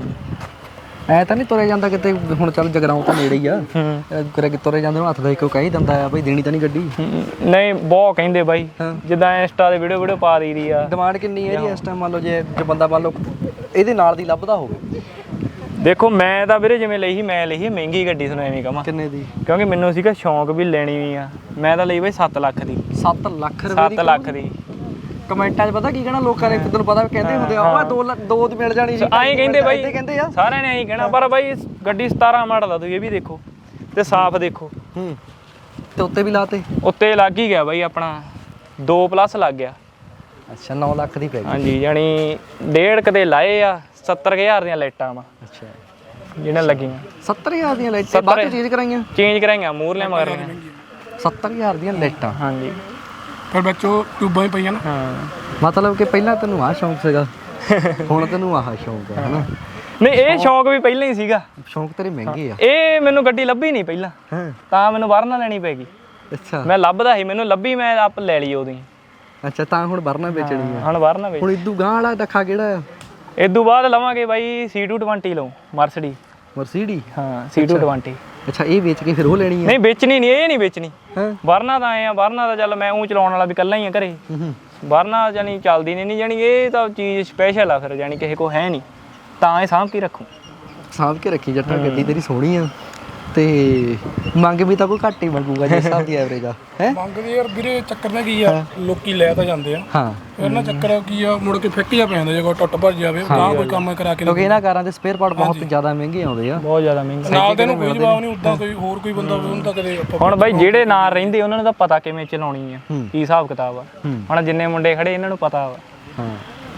ਐ ਤਾਂ ਨਹੀਂ ਤੁਰਿਆ ਜਾਂਦਾ ਕਿਤੇ ਹੁਣ ਚੱਲ ਜਗਰਾਉਂ ਤਾਂ ਨੇੜੇ ਹੀ ਆ
ਹੂੰ
ਕਰੇ ਕਿ ਤੁਰੇ ਜਾਂਦੇ ਨੂੰ ਹੱਥ ਦਾ ਇੱਕੋ ਕਹਿ ਦਿੰਦਾ ਆ ਬਈ ਦੇਣੀ ਤਾਂ ਨਹੀਂ ਗੱਡੀ
ਨਹੀਂ ਬਹੁਤ ਕਹਿੰਦੇ ਬਾਈ
ਹਾਂ।
ਜਿੱਦਾਂ ਇੰਸਟਾ ਦੇ ਵੀਡੀਓ ਵੀਡੀਓ ਪਾ ਦਈਦੀ ਆ
ਡਿਮਾਂਡ ਕਿੰਨੀ ਹੈ ਜੀ ਇਸ ਟਾਈਮ ਮੰਨ ਲਓ ਜੇ ਜੇ ਬੰਦਾ ਮੰਨ ਲਓ ਇਹਦੇ ਨਾਲ ਦੀ ਲੱਭਦਾ ਹੋਵੇ
ਦੇਖੋ ਮੈਂ ਤਾਂ ਵੀਰੇ ਜਿਵੇਂ ਲਈ ਸੀ ਮੈਂ ਲਈ ਸੀ ਮਹਿੰਗੀ ਗੱਡੀ ਤੁਹਾਨੂੰ ਐਵੇਂ ਕਹਾਂ
ਕਿੰਨੇ ਦੀ
ਕਿਉਂਕਿ ਮੈਨੂੰ ਸੀਗਾ ਸ਼ੌਂਕ ਵੀ ਲੈਣੀ ਵੀ ਆ ਮੈਂ ਤਾਂ ਲਈ ਬਾਈ ਸੱਤ ਲੱਖ ਦੀ
ਸੱਤ ਲੱਖ ਰੁਪਏ ਦੀ
ਸੱਤ ਲੱਖ ਦੀ
ਕਮੈਂਟਾਂ 'ਚ ਪਤਾ ਕੀ ਕਹਿਣਾ ਲੋਕਾਂ ਨੇ ਤੈਨੂੰ ਪਤਾ ਕਹਿੰਦੇ ਹੁੰਦੇ ਆ ਉਹ ਦੋ ਲੱਖ- ਦੋ ਦੀ ਮਿਲ ਜਾਣੀ ਸੀ
ਐਂ ਕਹਿੰਦੇ ਬਾਈ
ਏਦਾਂ ਕਹਿੰਦੇ ਆ
ਸਾਰਿਆਂ ਨੇ ਐਂ ਕਹਿਣਾ ਪਰ ਬਾਈ ਗੱਡੀ ਸਤਾਰਾਂ ਮਾਡਲ ਆ ਤੁਸੀਂ ਇਹ ਵੀ ਦੇਖੋ ਤੇ ਸਾਫ਼ ਦੇਖੋ
ਹੂੰ ਤੇ ਉੱਤੇ ਵੀ ਲਾਤੇ
ਉੱਤੇ ਲੱਗ ਹੀ ਗਿਆ ਬਾਈ ਆਪਣਾ ਦੋ ਪਲੱਸ ਲੱਗ ਗਿਆ
ਅੱਛਾ ਨੌ ਲੱਖ ਦੀ ਪੈ ਗਈ
ਹਾਂਜੀ ਯਾਨੀ ਡੇਢ ਕਦੇ ਲਾਏ ਆ ਸੱਤਰ ਕੁ ਹਜ਼ਾਰ ਦੀਆਂ ਲਾਈਟਾਂ ਵਾ
ਅੱਛਾ
ਜਿਹਨਾਂ ਲੱਗੀਆਂ
ਸੱਤਰ ਹਜ਼ਾਰ ਦੀਆਂ ਲਾਈਟਾਂ ਬਾਅਦ ਚੇਂਜ ਕਰਾਈਆਂ
ਚੇਂਜ ਕਰਾਈਆਂ ਮੂਰਲੇ ਮਗਰ
ਸੱਤਰ ਹਜ਼ਾਰ ਦੀਆਂ ਲਾਈਟਾਂ
ਹਾਂਜੀ
ਫਿਰ ਵਿੱਚੋਂ ਟਿਊਬਾਂ ਹੀ ਪਈਆਂ ਨਾ
ਹਾਂ
ਮਤਲਬ ਕਿ ਪਹਿਲਾਂ ਤੈਨੂੰ ਆਹ ਸ਼ੌਂਕ ਸੀਗਾ ਹੁਣ ਤੈਨੂੰ ਆਹ ਸ਼ੌਂਕ ਆ ਹਨਾ
ਨਹੀਂ ਇਹ ਸ਼ੌਂਕ ਵੀ ਪਹਿਲਾਂ ਹੀ ਸੀਗਾ
ਸ਼ੌਂਕ ਤੇਰੇ ਮਹਿੰਗੇ ਆ
ਇਹ ਮੈਨੂੰ ਗੱਡੀ ਲੱਭੀ ਨਹੀਂ ਪਹਿਲਾਂ
ਹਾਂ
ਤਾਂ ਮੈਨੂੰ ਵਰਨਾ ਲੈਣੀ ਪੈ ਗਈ
ਅੱਛਾ
ਮੈਂ ਲੱਭਦਾ ਸੀ ਮੈਨੂੰ ਲੱਭੀ ਮੈਂ ਆਪ ਲੈ ਲਈ ਉਦੋਂ ਹੀ
ਅੱਛਾ ਤਾਂ ਹੁਣ ਵਰਨਾ ਵੇਚਣੀ ਆ
ਹੁਣ ਵਰਨਾ ਵੇਚ
ਹੁਣ ਇਦੂ ਗਾਂ ਵਾਲਾ ਦੱਖਾ ਕਿਹੜਾ ਆ
ਇਦੋਂ ਬਾਅਦ ਲਵਾਂਗੇ ਬਾਈ ਸੀ ਟੂ ਟਵੰਟੀ ਲਓ ਮਰਸਡੀ
ਮਰਸੀਡੀ
ਹਾਂ ਸੀ ਟੂ ਟਵੰਟੀ
ਅੱਛਾ ਇਹ ਵੇਚ ਕੇ ਫਿਰ ਉਹ ਲੈਣੀ ਆ
ਨਹੀਂ ਵੇਚਣੀ ਨਹੀਂ ਇਹ ਨਹੀਂ ਵੇਚਣੀ
ਹਾਂ
ਵਰਨਾ ਤਾਂ ਆਏ ਆ ਵਰਨਾ ਤਾਂ ਚੱਲ ਮੈਂ ਉਹ ਚਲਾਉਣ ਵਾਲਾ ਵੀ ਇਕੱਲਾ ਹੀ ਆ ਘਰੇ
ਹੂੰ
ਵਰਨਾ ਜਾਨੀ ਚੱਲਦੀ ਨਹੀਂ ਨਹੀਂ ਜਾਨੀ ਇਹ ਤਾਂ ਚੀਜ਼ ਸਪੈਸ਼ਲ ਆ ਫਿਰ ਜਾਨੀ ਕਿਸੇ ਕੋ ਹੈ ਨਹੀਂ ਤਾਂ ਇਹ ਸਾਂਭ ਕੇ ਰੱਖੂ
ਸਾਂਭ ਕੇ ਰੱਖੀ ਜੱਟਾ ਗੱਡੀ ਤੇਰੀ ਸੋਹਣੀ ਆ ਤੇ ਮੰਗ ਵੀ ਤਾਂ ਕੋਈ ਘੱਟ ਹੀ ਮੰਗੂਗਾ ਜਿਸ ਹਿਸਾਬ ਦੀ ਐਵਰੇਜ ਆ ਹੈ
ਮੰਗਦੇ ਯਾਰ ਵੀਰੇ ਚੱਕਰ ਨਾ ਕੀ ਆ ਲੋਕੀ ਲੈ ਤਾਂ ਜਾਂਦੇ ਆ
ਹਾਂ
ਫਿਰ ਨਾ ਚੱਕਰ ਕੀ ਆ ਮੁੜ ਕੇ ਫਿੱਕ ਜਾ ਪੈਂਦਾ ਜੇ ਕੋਈ ਟੁੱਟ ਭੱਜ ਜਾਵੇ ਤਾਂ ਕੋਈ ਕੰਮ ਕਰਾ ਕੇ
ਕਿਉਂਕਿ ਇਹਨਾਂ ਕਾਰਾਂ ਦੇ ਸਪੇਅਰ ਪਾਰਟ ਬਹੁਤ ਜ਼ਿਆਦਾ ਮਹਿੰਗੇ ਆਉਂਦੇ ਆ
ਬਹੁਤ ਜ਼ਿਆਦਾ ਮਹਿੰਗਾ
ਨਾਲ ਦੇ ਨੂੰ ਕੋਈ ਜਵਾਬ ਨਹੀਂ ਉਦਾਂ ਕੋਈ ਹੋਰ ਕੋਈ ਬੰਦਾ ਹੋਵੇ ਉਹਨੂੰ ਤਾਂ ਕਦੇ ਆਪਾਂ
ਹੁਣ ਬਾਈ ਜਿਹੜੇ ਨਾਲ ਰਹਿੰਦੇ ਉਹਨਾਂ ਨੂੰ ਤਾਂ ਪਤਾ ਕਿਵੇਂ ਚਲਾਉਣੀ ਆ
ਹੂੰ।
ਕੀ ਹਿਸਾਬ ਕਿਤਾਬ ਆ
ਹੂੰ।
ਹੁਣ ਜਿੰਨੇ ਮੁੰਡੇ ਖੜੇ ਇਹਨਾਂ ਨੂੰ ਪਤਾ ਵਾ
ਹਾਂ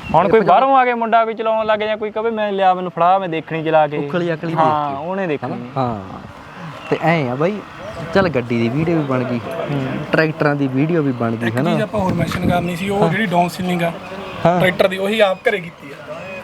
ਹੁਣ ਕੋਈ ਬਾਹਰੋਂ ਆ ਕੇ ਮੁੰਡਾ ਕੋਈ ਚਲਾਉਣ ਲੱਗ ਜਾਂ ਕੋਈ ਕਹੇ ਮੈਂ ਲਿਆ ਮੈਨੂੰ ਫੜਾ ਮੈਂ ਦੇਖਣੀ ਚਲਾ ਕੇ
ਉਖਲੀ ਅਕਲੀ
ਹਾਂ ਉਹਨੇ ਦੇਖਣੀ
ਹਾਂ ਤੇ ਐ ਆ ਬਾਈ ਚੱਲ ਗੱਡੀ ਦੀ ਵੀਡੀਓ ਵੀ ਬਣ ਗਈ ਟਰੈਕਟਰਾਂ ਦੀ ਵੀਡੀਓ ਵੀ ਬਣ ਗਈ
ਇੱਕ
ਹਨਾ
ਚੀਜ਼ ਆਪਾਂ ਹੋਰ ਮੈਂਸ਼ਨ ਕਰਨੀ ਸੀ ਉਹ ਜਿਹੜੀ ਡਾਊਨ ਸੀਲਿੰਗ ਆ ਟਰੈਕਟਰ ਦੀ ਉਹੀ ਆਪ ਘਰੇ ਕੀਤੀ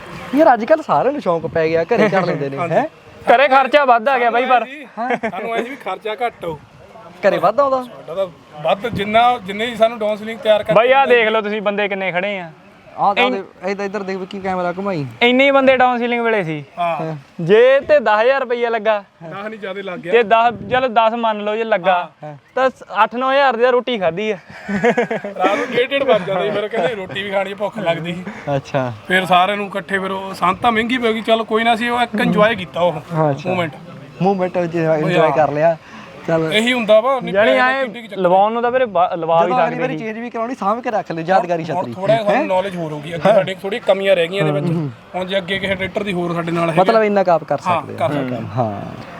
ਆ
ਯਾਰ ਅੱਜ ਕੱਲ ਸਾਰਿਆਂ ਨੂੰ ਸ਼ੌਂਕ ਪੈ ਗਿਆ ਘਰੇ ਕਰ ਲੈਂਦੇ ਨੇ ਹੈ
ਘਰੇ ਖਰਚਾ ਵੱਧ ਆ ਗਿਆ ਬਾਈ ਪਰ
ਸਾਨੂੰ ਐ ਸੀ ਵੀ ਖਰਚਾ ਘੱਟ ਹੋ
ਘਰੇ ਵੱਧ ਆਉਂਦਾ
ਸਾਡਾ ਤਾਂ ਵੱਧ ਜਿੰਨਾ ਜਿੰਨੇ ਹੀ ਸਾਨੂੰ ਡਾਊਨ ਸੀਲਿੰਗ ਤਿਆਰ ਕਰ
ਬਾਈ ਆਹ ਦੇਖ ਲਓ ਤੁਸੀਂ ਬੰਦੇ ਕਿੰਨੇ ਖੜੇ ਆ
ਆਹ ਤਾਂ ਇੱਧਰ ਇੱਧਰ ਦੇਖ ਕੀ ਕੈਮਰਾ ਘੁਮਾਈ
ਇੰਨੇ ਹੀ ਬੰਦੇ ਡਾਊਨ ਸੀਲਿੰਗ ਵੇਲੇ ਸੀ
ਹਾਂ
ਜੇ ਤੇ ਦਸ ਹਜ਼ਾਰ ਰੁਪਈਆ ਲੱਗਾ
ਦਸ ਨਹੀਂ ਜ਼ਿਆਦਾ ਲੱਗ ਗਿਆ
ਜੇ ਦਸ ਚਲੋ ਦਸ ਮੰਨ ਲਓ ਜੇ ਲੱਗਾ ਤਾਂ ਅੱਠ ਨੌ ਹਜ਼ਾਰ ਦੀ ਤਾਂ ਰੋਟੀ ਖਾਧੀ ਆ
ਰਾਤ ਨੂੰ ਡੇਢ ਡੇਢ ਵੱਜ ਜਾਂਦਾ ਸੀ ਫਿਰ ਕਹਿੰਦੇ ਰੋਟੀ ਵੀ ਖਾਣੀ ਭੁੱਖ ਲੱਗਦੀ ਸੀ
ਅੱਛਾ
ਫਿਰ ਸਾਰਿਆਂ ਨੂੰ ਇਕੱਠੇ ਫਿਰ ਉਹ ਸੰਤਾ ਮਹਿੰਗੀ ਪੈ ਗਈ ਚਲ ਕੋਈ ਨਾ ਸੀ ਉਹ ਇੱਕ ਇੰਜੋਏ ਕੀਤਾ ਉਹ ਮੂਵਮੈਂਟ
ਮੂਵਮੈਂਟ ਇੰਜੋਏ ਕਰ ਲਿਆ ਚੱਲ
ਇਹੀ ਹੁੰਦਾ ਵਾ ਨਹੀਂ
ਜਾਨੀ ਐ ਲਵਾਉਣ ਨੂੰ ਤਾਂ ਵੀਰੇ ਬਾ- ਲਵਾ ਵੀ
ਅਗਲੀ
ਸਕਦੇ
ਵਾਰੀ ਚੇਂਜ ਵੀ ਕਰਾਉਣੀ ਸਾਂਭ ਕੇ ਰੱਖ ਲਿਓ ਯਾਦਗਾਰੀ ਛਤਰੀ
ਥੋੜਾ ਸਾਨੂੰ ਨੌਲੇਜ ਹੋਰ ਹੋਊਗੀ ਅੱਗੇ ਸਾਡੇ ਥੋੜੀ ਕਮੀਆਂ ਰਹਿ ਗਈਆਂ ਇਹਦੇ ਵਿੱਚ ਹੁਣ ਜੇ ਅੱਗੇ ਕਿਸੇ ਟਰੈਕਟਰ ਦੀ ਹੋਰ ਸਾਡੇ ਨਾਲ ਹੈ
ਮਤਲਬ ਇੰਨਾ ਕਾਪ ਕਰ ਸਕਦੇ
ਕਰ ਸਕਦੇ
ਆ ਹਾਂ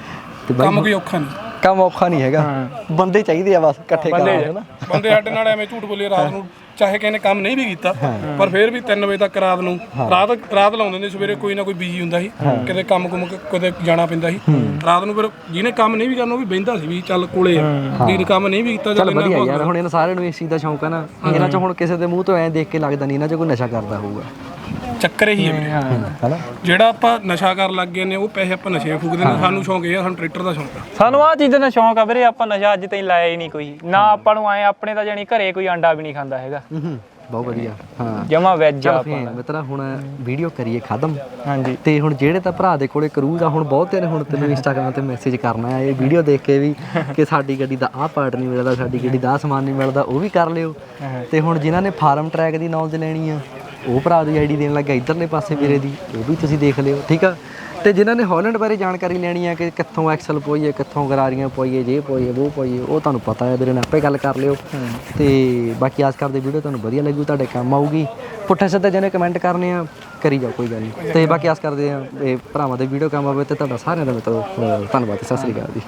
ਤੇ ਬਾਈ
ਕੰਮ ਕੋਈ ਔਖਾ ਨਹੀਂ
ਕੰਮ ਔਖਾ ਨਹੀਂ ਹੈਗਾ ਬੰਦੇ ਚਾਹੀਦੇ ਆ ਬਸ ਇਕੱਠੇ ਕਰਾਉਣੇ ਹਨਾ
ਬੰਦੇ ਸਾਡੇ ਨਾਲ ਐਵੇਂ ਝੂਠ ਬੋਲੇ ਰਾਤ ਨੂੰ ਚਾਹੇ ਕਿਸੇ ਨੇ ਕੰਮ ਨਹੀਂ ਵੀ ਕੀਤਾ ਪਰ ਫਿਰ ਵੀ ਤਿੰਨ ਵਜੇ ਤੱਕ ਰਾਤ ਨੂੰ ਰਾਤ ਰਾਤ ਲਾਉਂਦੇ ਨੇ ਸਵੇਰੇ ਕੋਈ ਨਾ ਕੋਈ ਬਿਜੀ ਹੁੰਦਾ ਸੀ ਕਿਤੇ ਕੰਮ ਕੁਮ ਕਿਤੇ ਜਾਣਾ ਪੈਂਦਾ ਸੀ ਰਾਤ ਨੂੰ ਫਿਰ ਜਿਹਨੇ ਕੰਮ ਨਹੀਂ ਵੀ ਕਰਨਾ ਉਹ ਵੀ ਬਹਿੰਦਾ ਸੀ ਵੀ ਚੱਲ ਕੋਲੇ ਆ ਜਿਹਨੇ ਕੰਮ ਨਹੀਂ ਵੀ ਕੀਤਾ
ਚੱਲ ਵਧੀਆ ਯਾਰ ਹੁਣ ਇਹਨਾਂ ਸਾਰਿਆਂ ਨੂੰ ਇਸ ਚੀਜ਼ ਦਾ ਸ਼ੌਂਕ ਹੈ ਨਾ ਇਹਨਾਂ ਚ ਹੁਣ ਕਿਸੇ ਦੇ ਮੂੰਹ ਤੋਂ ਐਂ ਦੇਖ ਕੇ ਲੱਗਦਾ ਨਹੀਂ ਇਹਨਾਂ ਚ ਕੋਈ ਨਸ਼ਾ ਕਰਦਾ ਹੋਊਗਾ
ਚੱਕਰ ਹੀ ਹੈ ਵੀਰੇ
ਹਨਾ
ਜਿਹੜਾ ਆਪਾਂ ਨਸ਼ਾ ਕਰਨ ਲੱਗ ਗਏ ਨੇ ਉਹ ਪੈਸੇ ਆਪਾਂ ਨਸ਼ੇ ਫੂਕਦੇ ਨੇ ਸਾਨੂੰ ਸ਼ੌਂਕ ਇਹ ਆ ਸਾਨੂੰ ਟਰੈਕਟਰ ਦਾ ਸ਼ੌਂਕ ਆ
ਸਾਨੂੰ ਆਹ ਚੀਜ਼ਾਂ ਦਾ ਸ਼ੌਂਕ ਆ ਵੀਰੇ ਆਪਾਂ ਨਸ਼ਾ ਅੱਜ ਤਾਈਂ ਲਾਇਆ ਹੀ ਨਹੀਂ ਕੋਈ ਨਾ ਆਪਾਂ ਨੂੰ ਆਏ ਆਪਣੇ ਤਾਂ ਜਾਨੀ ਘਰੇ ਕੋਈ ਅੰਡਾ ਵੀ ਨਹੀਂ ਖਾਂਦਾ ਹੈਗਾ
ਹੂੰ ਬਹੁਤ ਵਧੀਆ ਹਾਂ
ਜਮਾ ਵੈਜ ਆ
ਚੱਲ ਫੇਰ ਮਿੱਤਰਾ ਹੁਣ ਵੀਡੀਓ ਕਰੀਏ ਖਤਮ
ਹਾਂਜੀ
ਤੇ ਹੁਣ ਜਿਹੜੇ ਤਾਂ ਭਰਾ ਦੇ ਕੋਲੇ ਕਰੂਜ਼ ਆ ਹੁਣ ਬਹੁਤੇ ਨੇ ਹੁਣ ਤੈਨੂੰ ਇੰਸਟਾਗ੍ਰਾਮ ਤੇ ਮੈਸੇਜ ਕਰਨਾ ਹੈ ਇਹ ਵੀਡੀਓ ਦੇਖ ਕੇ ਵੀ ਕਿ ਸਾਡੀ ਗੱਡੀ ਦਾ ਆਹ ਪਾਰਟ ਨਹੀਂ ਮਿਲਦਾ ਸਾਡੀ ਗੱਡੀ ਦਾ ਆਹ ਸਮਾਨ ਨਹੀਂ ਮਿਲਦਾ ਉਹ ਵੀ ਕਰ ਲਿਓ ਤੇ ਹੁਣ ਜਿਨ੍ਹਾਂ ਨੇ ਫਾਰਮ ਟਰੈਕ ਦੀ ਨੌਲੇਜ ਲੈਣੀ ਆ ਉਹ ਭਰਾ ਦੀ ਆਈਡੀ ਦੇਣ ਲੱਗਾ ਇਧਰਲੇ ਪਾਸੇ ਵੀਰੇ ਦੀ ਉਹ ਵੀ ਤੁਸੀਂ ਦੇਖ ਲਿਓ ਠੀਕ ਆ ਤੇ ਜਿਨ੍ਹਾਂ ਨੇ ਹਾਲੈਂਡ ਬਾਰੇ ਜਾਣਕਾਰੀ ਲੈਣੀ ਆ ਕਿ ਕਿੱਥੋਂ ਐਕਸਲ ਪੋਈਏ ਕਿੱਥੋਂ ਗਰਾਰੀਆਂ ਪੋਈਏ ਜੇ ਪੋਈਏ ਉਹ ਪੋਈਏ ਉਹ ਤੁਹਾਨੂੰ ਪਤਾ ਹੈ ਵੀਰੇ ਨਾਲ ਆਪੇ ਗੱਲ ਕਰ ਲਿਓ ਤੇ ਬਾਕੀ ਆਸ ਕਰਦੇ ਵੀਡੀਓ ਤੁਹਾਨੂੰ ਵਧੀਆ ਲੱਗੂ ਤੁਹਾਡੇ ਕੰਮ ਆਊਗੀ ਪੁੱਠੇ ਸਿੱਧੇ ਜਿਹਨੇ ਕਮੈਂਟ ਕਰਨੇ ਆ ਕਰੀ ਜਾਓ ਕੋਈ ਗੱਲ ਨਹੀਂ ਤੇ ਬਾਕੀ ਆਸ ਕਰਦੇ ਆ ਇਹ ਭਰਾਵਾਂ ਦੇ ਵੀਡੀਓ ਕੰਮ ਆਵੇ ਤੇ ਤੁਹਾਡਾ ਸਾਰਿਆਂ ਦਾ ਮਤਲਬ ਧੰਨਵਾਦ ਸਤਿ ਸ੍ਰੀ ਅਕਾਲ ਜੀ।